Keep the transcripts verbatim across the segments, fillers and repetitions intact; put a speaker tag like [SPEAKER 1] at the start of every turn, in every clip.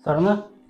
[SPEAKER 1] ਕਰਨ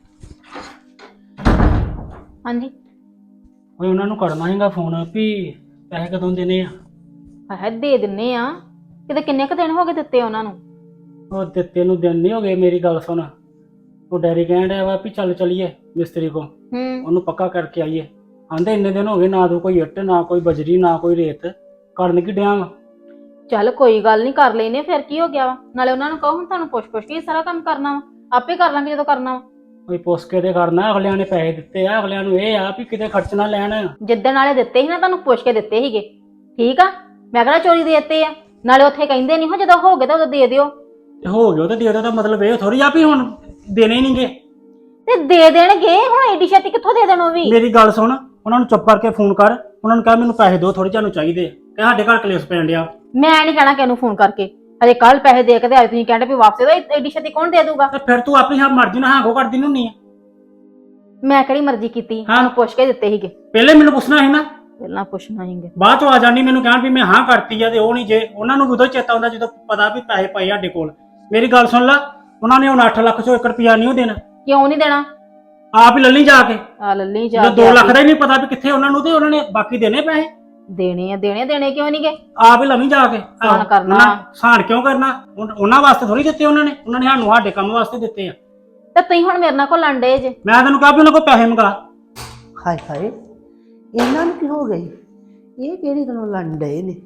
[SPEAKER 2] ਹਾਂਜੀ
[SPEAKER 1] ਓਏ ਉਹਨਾਂ ਨੂੰ ਕਰਨਾ ਹੈਗਾ ਫੋਨ ਵੀ ਪੈਸੇ ਕਦੋਂ ਦੇਣੇ ਆ।
[SPEAKER 2] ਹੈ ਦੇ ਦਿੰਨੇ ਆ। ਕਿਤੇ ਕਿੰਨੇ ਕੁ ਦਿਨ ਹੋ ਗਏ ਦਿੱਤੇ ਉਹਨਾਂ ਨੂੰ?
[SPEAKER 1] ਉਹ ਦਿੱਤੇ ਨੂੰ ਦਿਨ ਨਹੀਂ ਹੋ ਗਏ। ਮੇਰੀ ਗੱਲ ਸੁਣ, ਉਹ ਡੈਡੀ ਕਹਿਣ ਡਿਆ ਵਾ ਵੀ ਚੱਲ ਚਲੀਏ ਮਿਸਤਰੀ ਕੋ,
[SPEAKER 2] ਹੂੰ
[SPEAKER 1] ਉਹਨੂੰ ਪੱਕਾ ਕਰਕੇ ਆਈਏ। ਆਂਦੇ ਇੰਨੇ ਦਿਨ ਹੋ ਗਏ ਨਾ ਤੂੰ ਕੋਈ ਇੱਟ ਨਾ ਕੋਈ ਬਜਰੀ ਨਾ ਕੋਈ ਰੇਤ, ਕਰਨ ਕੀ ਡਿਆ ਵਾ।
[SPEAKER 2] ਚੱਲ ਕੋਈ ਗੱਲ ਨਹੀਂ, ਕਰ ਲੈਨੇ ਫਿਰ ਕੀ ਹੋ ਗਿਆ ਵਾ। ਨਾਲੇ ਉਹਨਾਂ ਨੂੰ ਕਹੋ ਹੁਣ ਤੁਹਾਨੂੰ ਪੁੱਛ ਪੁੱਛ ਕੇ ਸਾਰਾ ਕੰਮ ਕਰਨਾ ਵਾ, ਆਪੇ ਕਰ ਲਾਂਗੇ ਜਦੋਂ ਕਰਨਾ ਵਾ।
[SPEAKER 1] ਕੋਈ ਪੁੱਛ ਕੇ ਤੇ ਕਰਨਾ, ਅਗਲਿਆਂ ਨੇ ਪੈਸੇ ਦਿੱਤੇ ਆ, ਅਗਲਿਆਂ ਨੂੰ ਇਹ ਆ ਵੀ ਕਿਤੇ ਖਰਚ ਨਾ ਲੈਣ।
[SPEAKER 2] ਜਿੱਦਣ ਵਾਲੇ ਦਿੱਤੇ ਸੀ ਨਾ ਤੁਹਾਨੂੰ ਪੁੱਛ ਕੇ ਦਿੱਤੇ ਸੀਗੇ, ਠੀਕ ਆ। ਮੈਂ ਕਿਹੜਾ ਚੋਰੀ ਦੇ ਦਿੱਤੇ ਆ। ਨਾਲੇ ਉੱਥੇ ਕਹਿੰਦੇ ਨਹੀਂ ਹੋ ਜਦੋਂ ਹੋ ਗਏ ਤਾਂ ਉਦੋਂ ਦੇ ਦਿਓ।
[SPEAKER 1] ਤੇ ਹੋ ਗਿਆ ਤੇ ਦੇ ਦੋ, ਦਾ ਮਤਲਬ ਇਹ ਥੋੜੀ ਆ ਵੀ ਹੁਣ ਦੇਣੇ ਨਹੀਂਗੇ।
[SPEAKER 2] ਤੇ ਦੇ ਦੇਣਗੇ ਹੁਣ, ਏਡੀ ਛੇਤੀ ਕਿੱਥੋਂ ਦੇ ਦੇਣ ਉਹ ਵੀ।
[SPEAKER 1] ਮੇਰੀ ਗੱਲ ਸੁਣ, ਉਹਨਾਂ ਨੂੰ ਚੁੱਪ ਕਰਕੇ ਫੋਨ ਕਰ, ਉਹਨਾਂ ਨੂੰ ਕਹਿ ਮੈਨੂੰ ਪੈਸੇ ਦਿਓ ਥੋੜੇ ਜਿਹਾ ਨੂੰ ਚਾਹੀਦੇ, ਕਿ ਸਾਡੇ ਘਰ ਕਲੇਸ਼ ਪੈਣ ਡਿਆ।
[SPEAKER 2] ਮੈਂ ਨਹੀਂ ਕਹਿਣਾ ਕਿਹਨੂੰ ਫੋਨ ਕਰਕੇ, ਹਜੇ ਕੱਲ ਪੈਸੇ ਦੇ ਕੇ ਤੇ ਅੱਜ ਤੁਸੀਂ ਕਹਿੰਦੇ ਵੀ ਵਾਪਸ ਦੇ। ਏਡੀ ਛੇਤੀ ਕੌਣ ਦੇ ਦੂਗਾ?
[SPEAKER 1] ਤੇ ਫਿਰ ਤੂੰ ਆਪਣੀ ਹਾਂ ਮਰਜ਼ੀ ਨਾਲ ਹਾਂ ਕੋ ਕਰਦੀ ਨਹੀਂ ਆ।
[SPEAKER 2] ਮੈਂ ਕਿਹੜੀ ਮਰਜ਼ੀ ਕੀਤੀ,
[SPEAKER 1] ਹਾਂ।
[SPEAKER 2] ਤੁਹਾਨੂੰ ਪੁੱਛ ਕੇ ਦਿੱਤੇ ਸੀਗੇ।
[SPEAKER 1] ਪਹਿਲੇ ਮੈਨੂੰ ਪੁੱਛਣਾ ਸੀ ਨਾ,
[SPEAKER 2] ਪਹਿਲਾਂ ਪੁੱਛਣਾ ਸੀਗੇ।
[SPEAKER 1] ਬਾਅਦ ਚੋਂ ਆ ਜਾਣੀ ਮੈਨੂੰ ਕਹਿਣ ਵੀ ਮੈਂ ਹਾਂ ਕਰਤੀ ਆ ਤੇ ਉਹ ਨਹੀਂ। ਜੇ ਉਹਨਾਂ ਨੂੰ ਉਦੋਂ ਚੇਤਾ ਹੁੰਦਾ ਜਦੋਂ ਪਤਾ ਵੀ ਪੈਸੇ ਪਏ ਸਾਡੇ ਕੋਲ। ਮੇਰੀ ਗੱਲ ਸੁਣ ਲਾ, ਉਹਨਾਂ ਨੇ ਹੁਣ ਅੱਠ ਲੱਖ ਚੋਂ ਇੱਕ ਰੁਪਿਆ ਨਹੀਂ ਦੇਣਾ।
[SPEAKER 2] ਕਿਉਂ ਨਹੀਂ ਦੇਣਾ?
[SPEAKER 1] ਆਪ ਹੀ ਲੱਲੀ ਜਾ ਕੇ।
[SPEAKER 2] ਆ ਲੱਲੀ ਜਾ
[SPEAKER 1] ਜਦੋਂ ਦੋ ਲੱਖ ਦਾ ਹੀ ਨਹੀਂ ਪਤਾ ਵੀ ਕਿੱਥੇ ਉਹਨਾਂ ਨੂੰ, ਤੇ ਉਹਨਾਂ ਨੇ ਬਾਕੀ ਦੇਣੇ ਪੈਸੇ।
[SPEAKER 2] ਦੇਣੇ ਆ ਦੇਣੇ ਦੇਣੇ ਕਿਉਂ ਨਹੀਂ ਗਏ?
[SPEAKER 1] ਆਪ ਹੀ ਲਵੀਂ ਜਾ ਕੇ।
[SPEAKER 2] ਸਾਨ ਕਰਨਾ।
[SPEAKER 1] ਸਾਨ ਕਿਉਂ ਕਰਨਾ? ਉਹਨਾਂ ਵਾਸਤੇ ਥੋੜੀ ਦਿੱਤੇ ਉਹਨਾਂ ਨੇ, ਉਹਨਾਂ ਨੇ ਸਾਨੂੰ ਸਾਡੇ ਕੰਮ ਵਾਸਤੇ ਦਿੱਤੇ ਆ।
[SPEAKER 2] ਤੇ ਤੁਸੀਂ ਹੁਣ ਮੇਰੇ ਨਾਲ ਕੋ ਲੰਡੇ ਜੇ।
[SPEAKER 1] ਮੈਂ ਤੈਨੂੰ ਕਿਹਾ ਵੀ ਉਹਨਾਂ ਕੋਲ ਪੈਸੇ ਮੰਗਾ।
[SPEAKER 3] ਹਾਏ ਹਾਏ, ਇਹਨਾਂ ਨੂੰ ਕੀ ਹੋ ਗਈ? ਇਹ ਕਿਹੜੀ ਗੱਲੋਂ ਲੜਨ ਡਏ ਨੇ?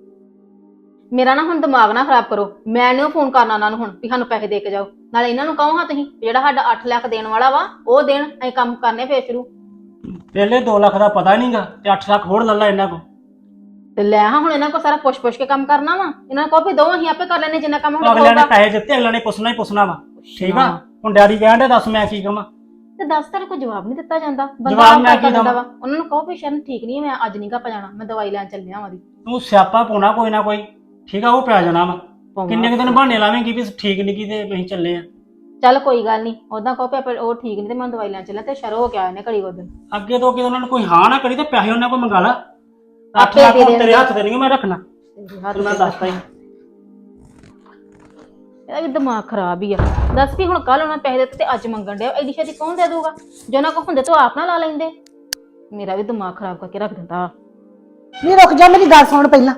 [SPEAKER 2] ਮੇਰਾ ਨਾ ਹੁਣ ਦਿਮਾਗ ਨਾ ਖਰਾਬ ਕਰੋ। ਮੈਂ ਨਹੀਂ ਫੋਨ ਕਰਨਾ ਉਹਨਾਂ ਨੂੰ ਹੁਣ ਵੀ ਸਾਨੂੰ ਪੈਸੇ ਦੇ ਕੇ ਜਾਓ। ਨਾਲੇ ਇਹਨਾਂ ਨੂੰ ਕਹੋ ਹਾਂ ਤੁਸੀਂ ਜਿਹੜਾ ਸਾਡਾ ਅੱਠ ਲੱਖ ਦੇਣ ਵਾਲਾ ਵਾ ਉਹ ਦੇਣ, ਅਸੀਂ ਕੰਮ ਕਰਨੇ ਫੇਰ ਸ਼ੁਰੂ।
[SPEAKER 1] ਪਹਿਲੇ ਦੋ ਲੱਖ ਦਾ ਪਤਾ ਨਹੀਂਗਾ ਤੇ ਅੱਠ ਲੱਖ ਹੋਰ ਲੱਲਾ ਇਹਨਾਂ ਕੋ।
[SPEAKER 2] ਤੇ ਲੈ ਹਾਂ ਹੁਣ ਇਹਨਾਂ ਕੋ ਸਾਰਾ ਪੁੱਛ ਪੁੱਛ ਕੇ ਕੰਮ ਕਰਨਾ ਵਾ। ਇਹਨਾਂ ਨੂੰ ਕਹੋ ਵੀ ਦੋ ਅਸੀਂ ਆਪੇ ਕਰ ਲੈਣੇ ਜਿੰਨਾ ਕੰਮ ਹੁਣ
[SPEAKER 1] ਅਗਲਿਆਂ ਨੇ
[SPEAKER 2] ਹੋਊਗਾ।
[SPEAKER 1] ਪੈਸੇ ਦਿੱਤੇ, ਅਗਲਿਆਂ ਨੇ ਪੁੱਛਣਾ ਹੀ ਪੁੱਛਣਾ ਵਾ। ਠੀਕ ਆ, ਹੁਣ ਡੈਡੀ ਕਹਿਣ ਡਿਆ ਦੱਸ ਮੈਂ ਕੀ ਕਵਾਂ।
[SPEAKER 2] ਤੇ ਦੱਸ ਤੇਰੇ ਕੋਈ ਜਵਾਬ ਨਹੀਂ ਦਿੱਤਾ ਜਾਂਦਾ। ਬੰਦਾ
[SPEAKER 1] ਜਵਾਬ
[SPEAKER 2] ਆਪ
[SPEAKER 1] ਮੈਂ
[SPEAKER 2] ਕਰ
[SPEAKER 1] ਕੀ
[SPEAKER 2] ਦਿੰਦਾ
[SPEAKER 1] ਦੇਵਾਂ?
[SPEAKER 2] ਵਾ। ਉਹਨਾਂ ਨੂੰ ਕਹੋ ਵੀ ਸ਼ਰਨ ਠੀਕ ਨਹੀਂ, ਮੈਂ ਅੱਜ ਨਹੀਂ ਗਾ ਜਾਣਾ, ਮੈਂ ਦਵਾਈ ਲੈਣ ਚੱਲਿਆ ਵਾਂ ਦੀ।
[SPEAKER 1] ਤੂੰ ਸਿਆਪਾ ਪਾਉਣਾ ਕੋਈ ਨਾ ਕੋਈ, ਠੀਕ ਆ, ਉਹ ਪੈ ਜਾਣਾ ਵਾ। ਕਿੰਨੇ ਕੁ ਦਿਨ ਬਹਾਨੇ ਲਾਵੇਂਗੀ ਵੀ ਠੀਕ ਨਹੀਂ ਕੀ ਤੇ ਅਸੀਂ ਚੱਲੇ ਆ।
[SPEAKER 2] ਚੱਲ ਕੋਈ ਗੱਲ ਨਹੀਂ, ਉਦਾਂ ਕਹੋ ਵੀ ਉਹ ਠੀਕ ਨਹੀਂ ਤੇ ਮੈਂ ਦਵਾਈ ਲੈਣ ਚੱਲਿਆ ਤੇ ਸ਼ਰੋ ਹੋ ਕੇ ਆਏ ਨੇ ਘੜੀ ਉਹ ਦਿਨ।
[SPEAKER 1] ਅੱਗੇ ਤੋਂ ਕਿ ਉਹਨਾਂ ਨੂੰ ਕੋਈ ਹਾਂ ਨਾ ਕਰੀ ਤੇ ਪੈਸੇ ਉਹਨਾਂ ਕੋਲ ਮੰਗਾ ਲਾ। ਅੱਠ
[SPEAKER 2] ਆਪੇ
[SPEAKER 1] ਲੱਖ
[SPEAKER 2] ਦੇ
[SPEAKER 1] ਹੁਣ ਤੇਰੇ
[SPEAKER 2] ਦੇਣਗੇ।
[SPEAKER 1] ਹੱਥ ਤੇ ਨਹੀਂ ਮੈਂ ਰੱਖਣਾ, ਤੈਨੂੰ ਮੈਂ ਦੱਸਦਾ ਹੀ।
[SPEAKER 2] ਇਹਦਾ ਵੀ ਦਿਮਾਗ ਖਰਾਬ ਹੀ ਆ। ਦੱਸ ਵੀ ਹੁਣ ਕੱਲ ਉਹਨਾਂ ਪੈਸੇ ਦਿੱਤੇ ਤੇ ਅੱਜ ਮੰਗਣ ਡਿਆ। ਐਡੀ ਛੇਤੀ ਕੌਣ ਦੇ ਦੂਗਾ? ਜੇ ਉਹਨਾਂ ਕੋਲ ਹੁੰਦੇ ਤਾਂ ਆਪ ਨਾ ਲਾ ਲੈਂਦੇ। ਮੇਰਾ ਵੀ ਦਿਮਾਗ ਖਰਾਬ ਕਰਕੇ ਰੱਖ ਦਿੰਦਾ।
[SPEAKER 3] ਨਹੀਂ ਰੁਕ ਜਾ, ਮੇਰੀ ਗੱਲ ਸੁਣ ਪਹਿਲਾਂ।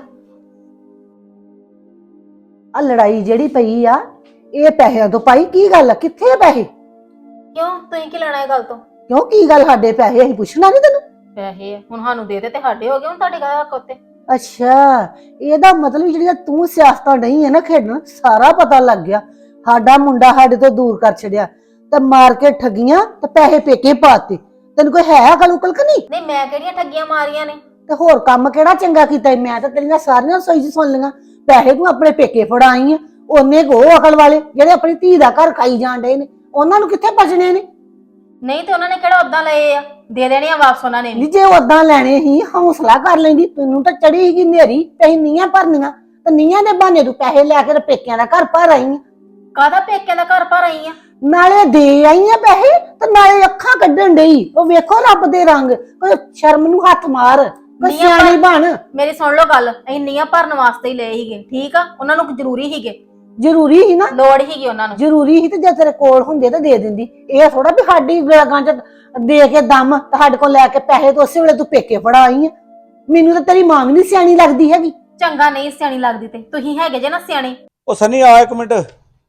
[SPEAKER 3] ਆ ਲੜਾਈ ਜਿਹੜੀ ਪਈ ਆ, ਇਹ ਪੈਸਿਆਂ ਤੋਂ ਪਾਈ? ਕੀ ਗੱਲ ਆ, ਕਿੱਥੇ ਆ ਪੈਸੇ?
[SPEAKER 2] ਕਿਉਂ ਤੁਸੀਂ ਕੀ ਲੈਣਾ ਇਹ ਗੱਲ ਤੋਂ?
[SPEAKER 3] ਕਿਉਂ ਕੀ ਗੱਲ? ਸਾਡੇ ਪੈਸੇ ਅਸੀਂ ਪੁੱਛਣਾ ਨਹੀਂ ਤੈਨੂੰ?
[SPEAKER 2] ਪੈਸੇ ਹੁਣ ਸਾਨੂੰ ਦੇ ਦੇ ਤੇ ਸਾਡੇ ਹੋ ਗਏ, ਹੁਣ ਤੁਹਾਡੇ ਘਰ ਕੋਤੇ।
[SPEAKER 3] ਅੱਛਾ, ਇਹਦਾ ਮਤਲਬ ਜਿਹੜੀਆਂ ਤੂੰ ਸਿਆਸਤਾਂ ਨਹੀਂ ਹੈ ਨਾ ਖੇਡਣ, ਸਾਰਾ ਪਤਾ ਲੱਗ ਗਿਆ। ਸਾਡਾ ਮੁੰਡਾ ਸਾਡੇ ਤੋਂ ਦੂਰ ਕਰ ਛੱਡਿਆ ਤੇ ਮਾਰ ਕੇ ਠੱਗੀਆਂ ਤੇ ਪੈਸੇ ਪੇਕੇ ਪਾਤੇ। ਤੈਨੂੰ ਕੋਈ ਹੈ ਅਕਲ ਉਕਲ ਕਿ ਨਹੀਂ?
[SPEAKER 2] ਨਹੀਂ ਮੈਂ ਕਿਹੜੀਆਂ ਠੱਗੀਆਂ ਮਾਰੀਆਂ ਨੇ?
[SPEAKER 3] ਤੇ ਹੋਰ ਕੰਮ ਕਿਹੜਾ ਚੰਗਾ ਕੀਤਾ? ਮੈਂ ਤਾਂ ਤੇਰੀਆਂ ਸਾਰੀਆਂ ਸੋਈ ਚ ਸੁਣ ਲਈਆਂ। ਪੈਸੇ ਤੂੰ ਆਪਣੇ ਪੇਕੇ ਫੜਾਈ ਆ, ਉਹਨੇ ਕੋ ਅਕਲ ਵਾਲੇ ਜਿਹੜੇ ਆਪਣੀ ਧੀ ਦਾ ਘਰ ਖਾਈ ਜਾਣ ਡਏ ਨੇ, ਉਹਨਾਂ ਨੂੰ ਕਿੱਥੇ ਬਚਣੇ ਨੇ?
[SPEAKER 2] ਨਹੀਂ ਤੇ ਉਹਨਾਂ ਨੇ ਕਿਹੜਾ ਉਦਾਂ ਲਏ ਆ, ਦੇ ਦੇਣੇ ਆ ਵਾਪਸ ਉਹਨਾਂ ਨੇ ਵੀ।
[SPEAKER 3] ਨਹੀਂ ਜੇ ਉਦਾਂ ਲੈਣੇ ਹੀ ਹੌਸਲਾ ਕਰ ਲੈਂਦੀ। ਤੈਨੂੰ ਤਾਂ ਚੜੀ ਸੀਗੀ ਨੇਰੀ, ਤੇ ਨੀਆਂ ਭਰਨੀਆਂ ਤੇ ਨੀਆਂ ਦੇ ਬਹਾਨੇ ਤੂੰ ਪੈਸੇ ਲੈ ਕੇ ਪੇਕਿਆਂ ਦਾ ਘਰ ਭਰ ਆਈ ਆ।
[SPEAKER 2] ਕਾਹਦਾ ਪੇਕਿਆਂ ਦਾ ਘਰ ਭਰ ਆਈ ਆ?
[SPEAKER 3] ਨਾਲੇ ਦੇ ਆਈ ਆ ਪੈਸੇ ਤੇ ਨਾਲੇ ਅੱਖਾਂ ਕੱਢਣ ਡਈ। ਉਹ ਵੇਖੋ ਰੱਬ ਦੇ ਰੰਗ। ਕੋਈ ਸ਼ਰਮ ਨੂੰ ਹੱਥ ਮਾਰ, ਕੋਈ ਸਿਆਣੀ ਬਣ।
[SPEAKER 2] ਮੇਰੀ ਸੁਣ ਲਓ ਗੱਲ, ਅਸੀਂ ਨੀਆਂ ਭਰਨ ਵਾਸਤੇ ਹੀ ਲਏ ਸੀਗੇ, ਠੀਕ ਆ। ਉਹਨਾਂ ਨੂੰ ਜ਼ਰੂਰੀ ਸੀਗੇ,
[SPEAKER 3] ਜ਼ਰੂਰੀ ਸੀ ਨਾ,
[SPEAKER 2] ਲੋੜ ਸੀਗੀ ਉਹਨਾਂ ਨੂੰ।
[SPEAKER 3] ਜ਼ਰੂਰੀ ਸੀ ਤੇ ਜੇ ਤੇਰੇ ਕੋਲ ਹੁੰਦੇ ਤਾਂ ਦੇ ਦਿੰਦੀ। ਇਹ ਥੋੜਾ ਵੀ ਸਾਡੀ ਗਾਂ ਚ ਦੇ ਕੇ ਦਮ ਤੁਹਾਡੇ ਕੋਲ ਲੈ ਕੇ ਪੈਸੇ ਤੋਂ ਉਸੇ ਵੇਲੇ ਤੂੰ ਪੇਕੇ ਫੜਾ ਆਈ ਆ। ਮੈਨੂੰ ਤਾਂ ਤੇਰੀ ਮਾਂ ਵੀ ਨਹੀਂ ਸਿਆਣੀ ਲੱਗਦੀ ਹੈਗੀ।
[SPEAKER 2] ਚੰਗਾ ਨਹੀਂ ਸਿਆਣੀ ਲੱਗਦੀ ਤੇ ਤੁਸੀਂ ਹੈਗੇ ਜੇ ਨਾ ਸਿਆਣੇ।
[SPEAKER 4] ਉਹ ਸਨੀ ਆ ਇੱਕ ਮਿੰਟ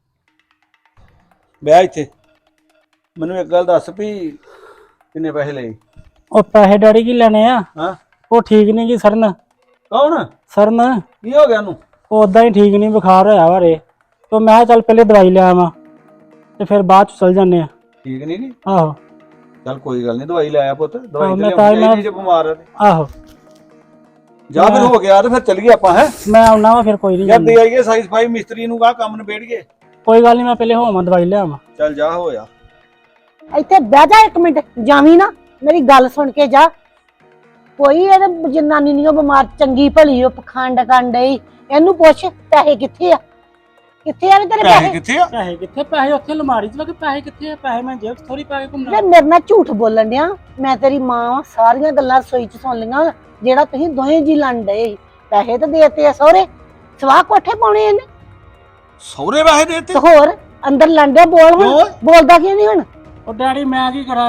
[SPEAKER 4] ਬਹਿ ਇੱਥੇ। ਮੈਨੂੰ ਇੱਕ ਗੱਲ ਦੱਸ ਵੀ ਕਿੰਨੇ ਪੈਸੇ ਲਏ?
[SPEAKER 1] ਉਹ ਪੈਸੇ ਡੈਡੀ ਕੀ ਲੈਣੇ ਆ?
[SPEAKER 4] ਹਾਂ,
[SPEAKER 1] ਉਹ ਠੀਕ ਨਹੀਂ ਜੀ ਸਰਨ।
[SPEAKER 4] ਕੌਣ?
[SPEAKER 1] ਸਰਨ
[SPEAKER 4] ਕੀ ਹੋ ਗਿਆ ਉਹਨੂੰ?
[SPEAKER 1] ਉਹ ਉਦਾਂ ਹੀ ਠੀਕ ਨਹੀਂ, ਬੁਖਾਰ ਹੋਇਆ ਵਾ ਰੇ। ਤੇ ਮੈਂ ਕਿਹਾ ਚੱਲ ਪਹਿਲੇ ਦਵਾਈ ਲੈ ਆਵਾਂ ਤੇ ਫਿਰ ਬਾਅਦ ਚ ਚੱਲ ਜਾਂਦੇ ਆ।
[SPEAKER 4] ਠੀਕ ਨਹੀਂ ਗੀ?
[SPEAKER 1] ਆਹੋ
[SPEAKER 4] ਚੱਲ ਕੋਈ ਗੱਲ ਨਹੀਂ, ਦਵਾਈ ਲੈ ਆ ਪੁੱਤ। ਦਵਾਈ
[SPEAKER 1] ਮੈਂ
[SPEAKER 4] ਤੇ
[SPEAKER 1] ਤਾਂ
[SPEAKER 4] ਲਿਆਉਣੀ
[SPEAKER 1] ਮੈਂ-
[SPEAKER 4] ਚਾਹੀਦੀ ਜੇ ਬਿਮਾਰ ਆ ਤੇ।
[SPEAKER 1] ਆਹੋ
[SPEAKER 4] ਜਾ ਫਿਰ ਹੋ ਗਿਆ ਤੇ ਫਿਰ ਚੱਲੀਏ ਆਪਾਂ। ਹੈ
[SPEAKER 1] ਮੈਂ ਆਉਣਾ ਵਾ ਫਿਰ, ਕੋਈ ਨਹੀਂ
[SPEAKER 4] ਯਾਰ ਦੇ ਆਈਏ ਸਾਈ ਸਫਾਈ ਮਿਸਤਰੀ ਨੂੰ ਕਹਾ ਕੰਮ ਨਿਬੇੜੀਏ।
[SPEAKER 1] ਕੋਈ ਗੱਲ ਨਹੀਂ, ਮੈਂ ਪਹਿਲੇ ਹੋਵਾਂ ਦਵਾਈ ਲੈ ਆਵਾਂ।
[SPEAKER 4] ਚੱਲ ਜਾ ਹੋਇਆ।
[SPEAKER 3] ਇੱਥੇ ਬਹਿ ਜਾ ਇੱਕ ਮਿੰਟ, ਜਾਵੀਂ ਨਾ, ਮੇਰੀ ਗੱਲ ਸੁਣ ਕੇ ਜਾ। ਕੋਈ ਇਹਦੇ ਜਨਾਨੀ ਨਹੀਂ ਉਹ ਬਿਮਾਰ, ਚੰਗੀ ਭਲੀ ਉਹ ਪਖੰਡ ਕਰਨ ਡਈ। ਇਹਨੂੰ ਪੁੱਛ ਪੈਸੇ ਕਿੱਥੇ ਆ? ਕਿੱਥੇ ਆ ਵੇ ਤੇਰੇ
[SPEAKER 4] ਪੈਸੇ
[SPEAKER 3] ਪੈਸੇ?
[SPEAKER 4] ਕਿੱਥੇ ਆ?
[SPEAKER 1] ਪੈਸੇ ਕਿੱਥੇ? ਪੈਸੇ ਉੱਥੇ ਅਲਮਾਰੀ ਚ ਲੱਗੇ। ਪੈਸੇ ਕਿੱਥੇ ਆ? ਪੈਸੇ ਮੈਂ ਜੇਬ ਚ ਥੋੜੀ ਪਾ ਕੇ ਘੁੰਮਣਾ।
[SPEAKER 3] ਵੇ ਮੇਰੇ ਨਾਲ ਝੂਠ ਬੋਲਣ ਡਿਆ। ਮੈਂ ਤੇਰੀ ਮਾਂ ਵਾਂ, ਸਾਰੀਆਂ ਗੱਲਾਂ ਰਸੋਈ ਚ ਸੁਣ ਲਈਆਂ। ਜਿਹੜਾ ਤੁਸੀਂ ਦੋਵੇਂ ਜੀ ਲੜ ਡਏ, ਪੈਸੇ ਤਾਂ ਦੇਤੇ ਆ ਸਹੁਰੇ, ਸਵਾਹ ਕੋਠੇ ਪਾਉਣੇ ਇਹਨੇ।
[SPEAKER 4] ਸਹੁਰੇ ਪੈਸੇ ਦੇਤੇ?
[SPEAKER 3] ਤੇ ਹੋਰ ਅੰਦਰ ਲੰਡਿਆ ਬੋਲ ਹੁਣ
[SPEAKER 4] ਕਿਉਂ?
[SPEAKER 3] ਬੋਲਦਾ ਕਿਉਂ ਨਹੀਂ ਹੁਣ?
[SPEAKER 1] ਉਹ ਡੈਡੀ ਮੈਂ ਕੀ ਕਰਾਂ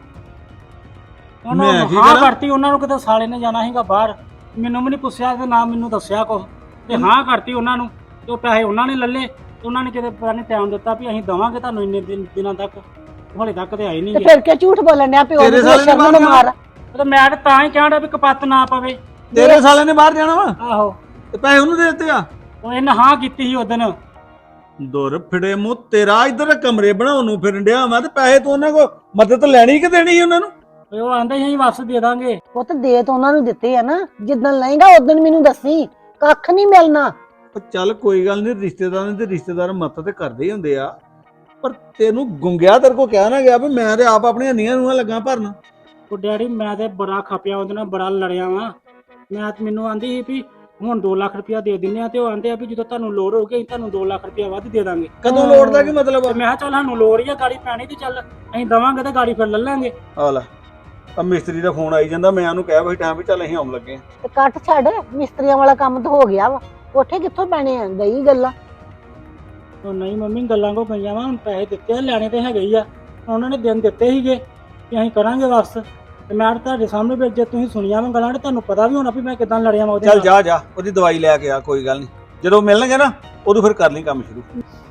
[SPEAKER 1] ਉਹਨਾਂ
[SPEAKER 4] ਮੈਂ
[SPEAKER 1] ਨੂੰ
[SPEAKER 4] ਕੀ
[SPEAKER 1] ਹਾਂ
[SPEAKER 4] ਕਰਾਂ?
[SPEAKER 1] ਕਰਤੀ, ਉਹਨਾਂ ਨੂੰ ਕਿਤੇ ਸਾਲੇ ਨੇ ਜਾਣਾ ਸੀਗਾ ਬਾਹਰ, ਮੈਨੂੰ ਵੀ ਨਹੀਂ ਪੁੱਛਿਆ ਤੇ ਨਾ ਮੈਨੂੰ ਦੱਸਿਆ ਕੁਛ, ਤੇ ਹਾਂ ਕਰਤੀ ਉਹਨਾਂ ਨੂੰ, ਤੇ ਉਹ ਪੈਸੇ ਉਹਨਾਂ ਨੇ ਲੱਲੇ, ਤੇ ਉਹਨਾਂ ਨੇ ਕਿਤੇ ਪਤਾ ਨਹੀਂ ਟਾਈਮ ਦਿੱਤਾ ਵੀ ਅਸੀਂ ਦਵਾਂਗੇ ਤੁਹਾਨੂੰ ਇੰਨੇ ਦਿਨ ਦਿਨਾਂ ਤੱਕ, ਹਾਲੇ ਤੱਕ ਤੇ ਆਏ ਨਹੀਂ
[SPEAKER 3] ਤੇ
[SPEAKER 1] ਗਏ।
[SPEAKER 3] ਫਿਰ ਕਿਉਂ ਝੂਠ ਬੋਲਣ ਡਿਆ ਪਿਓ
[SPEAKER 4] ਤੇਰੇ
[SPEAKER 3] ਨੂੰ
[SPEAKER 4] ਸਾਲੇ ਨੇ
[SPEAKER 3] ਸ਼ਰਮ ਨੂੰ
[SPEAKER 4] ਮਾਰਿਆ।
[SPEAKER 3] ਮਾਰ।
[SPEAKER 1] ਤੇ ਮੈਂ ਤਾਂ ਤਾਂ ਹੀ ਕਹਿਣ ਡਿਆ ਵੀ ਕਪੱਤ ਨਾ ਪਵੇ।
[SPEAKER 4] ਤੇਰੇ ਸਾਲੇ ਨੇ ਬਾਹਰ ਜਾਣਾ ਵਾ
[SPEAKER 1] ਆਹੋ,
[SPEAKER 4] ਤੇ ਪੈਸੇ ਉਹਨੂੰ ਦੇ ਦਿੱਤੇ ਆ।
[SPEAKER 1] ਉਹ ਇਹਨੇ ਹਾਂ ਕੀਤੀ ਸੀ ਉਦਣ।
[SPEAKER 4] ਦੁਰ ਫਿੜੇ ਮੂੰਹ ਤੇਰਾ, ਇੱਧਰ ਕਮਰੇ ਬਣਾਉਣ ਨੂੰ ਫਿਰਨ ਡਿਆ ਮੈਂ, ਤੇ ਪੈਸੇ ਤੂੰ ਉਹਨਾਂ ਕੋ ਮਦਦ ਲੈਣੀ ਕਿ ਦੇਣੀ ਸੀ ਉਹਨਾਂ ਨੂੰ?
[SPEAKER 1] ਤੇ ਉਹ ਆਂਦੇ ਸੀ ਅਸੀਂ ਵਾਪਸ ਦੇ ਦਾਂਗੇ।
[SPEAKER 3] ਉਹ ਤਾਂ ਦੇ ਤਾਂ ਉਹਨਾਂ ਨੂੰ ਦਿੱਤੇ ਆ ਨਾ, ਜਿੱਦਣ ਲਏਗਾ ਉਦੋਂ ਮੈਨੂੰ ਦੱਸੀ, ਕੱਖ ਨਹੀਂ ਮਿਲਣਾ।
[SPEAKER 4] ਉਹ ਚੱਲ ਕੋਈ ਗੱਲ ਨਹੀਂ, ਰਿਸ਼ਤੇਦਾਰਾਂ ਦੇ ਰਿਸ਼ਤੇਦਾਰ ਮਦਦ ਤੇ ਕਰਦੇ ਹੀ ਹੁੰਦੇ ਆ, ਪਰ ਤੈਨੂੰ ਗੁੰਗਿਆ ਤੇਰੇ ਕੋ ਕਹਿ ਨਾ ਗਿਆ ਵੀ ਮੈਂ ਤੇ ਆਪ ਆਪਣੀਆਂ ਨੀਆਂ ਨੂੰ ਲੱਗਾ ਭਰਨ।
[SPEAKER 1] ਉਹ ਡੈਡੀ ਮੈਂ ਤੇ ਬੜਾ ਖਪਿਆ ਉਹਦੇ ਨਾਲ, ਬੜਾ ਲੜਿਆ ਵਾਂ ਮੈਂ। ਮੈਨੂੰ ਆਂਦੀ ਸੀ ਵੀ ਹੁਣ ਦੋ ਲੱਖ ਰੁਪਇਆ ਦੇ ਦਿੰਦੇ ਆ, ਤੇ ਉਹ ਆਂਦੇ ਆ ਵੀ ਜਦੋਂ ਤੁਹਾਨੂੰ ਲੋੜ ਹੋਊਗੀ ਅਸੀਂ ਤੁਹਾਨੂੰ ਦੋ ਲੱਖ ਰੁਪਇਆ ਵੱਧ ਦੇ ਦਾਂਗੇ।
[SPEAKER 4] ਕਦੋਂ ਲੋੜ ਦਾ ਕੀ ਮਤਲਬ
[SPEAKER 1] ਤੇ
[SPEAKER 4] ਆ?
[SPEAKER 1] ਮੈਂ ਕਿਹਾ ਚੱਲ ਸਾਨੂੰ ਲੋੜ ਹੀ ਆ ਗਾੜੀ ਪੈਣੀ, ਤੇ ਚੱਲ ਅਸੀਂ ਦਵਾਂਗੇ ਤੇ ਗਾੜੀ ਫਿਰ ਲੈ ਲਾਂਗੇ।
[SPEAKER 4] ਆ ਲੈ ਆ ਮਿਸਤਰੀ ਦਾ ਫੋਨ ਆਈ ਜਾਂਦਾ, ਮੈਂ ਉਹਨੂੰ ਕਿਹਾ ਵੀ ਟਾਈਮ ਵੀ ਚੱਲ ਅਸੀਂ ਆਉਣ ਲੱਗੇ ਆ।
[SPEAKER 3] ਤੇ ਕੱਟ ਛੱਡ, ਮਿਸਤਰੀਆਂ ਵਾਲਾ ਕੰਮ ਤਾਂ ਹੋ ਗਿਆ ਵਾ, ਕੋਠੇ ਕਿੱਥੋਂ ਪੈਣੇ ਆ? ਗਈ ਗੱਲਾਂ।
[SPEAKER 1] ਉਹ ਨਹੀਂ ਮੰਮੀ, ਗੱਲਾਂ ਕੋ ਗਈਆਂ ਵਾ, ਹੁਣ ਪੈਸੇ ਦਿੱਤੇ ਆ, ਲੈਣੇ ਤੇ ਹੈਗੇ ਹੀ ਆ। ਉਹਨਾਂ ਨੇ ਦਿਨ ਦਿੱਤੇ ਸੀਗੇ ਕਿ ਅਸੀਂ ਕਰਾਂਗੇ ਵਾਪਸ, ਤੇ ਮੈਂ ਤਾਂ ਤੁਹਾਡੇ ਸਾਹਮਣੇ ਵੀ ਜੇ ਤੁਸੀਂ ਸੁਣੀਆਂ ਵਾ ਗੱਲਾਂ ਤੇ ਤੁਹਾਨੂੰ ਪਤਾ ਵੀ ਹੋਣਾ ਵੀ ਮੈਂ ਕਿਦਾਂ ਲੜਿਆ ਵਾ ਉਹਦੇ
[SPEAKER 4] ਚੱਲ
[SPEAKER 1] ਨਾਲ।
[SPEAKER 4] ਜਾ ਜਾ ਉਹਦੀ ਦਵਾਈ ਲੈ ਕੇ ਆ, ਕੋਈ ਗੱਲ ਨਹੀਂ, ਜਦੋਂ ਮਿਲਣਗੇ ਨਾ ਉਦੋਂ ਫਿਰ ਕਰ ਲਈ ਕੰਮ ਸ਼ੁਰੂ।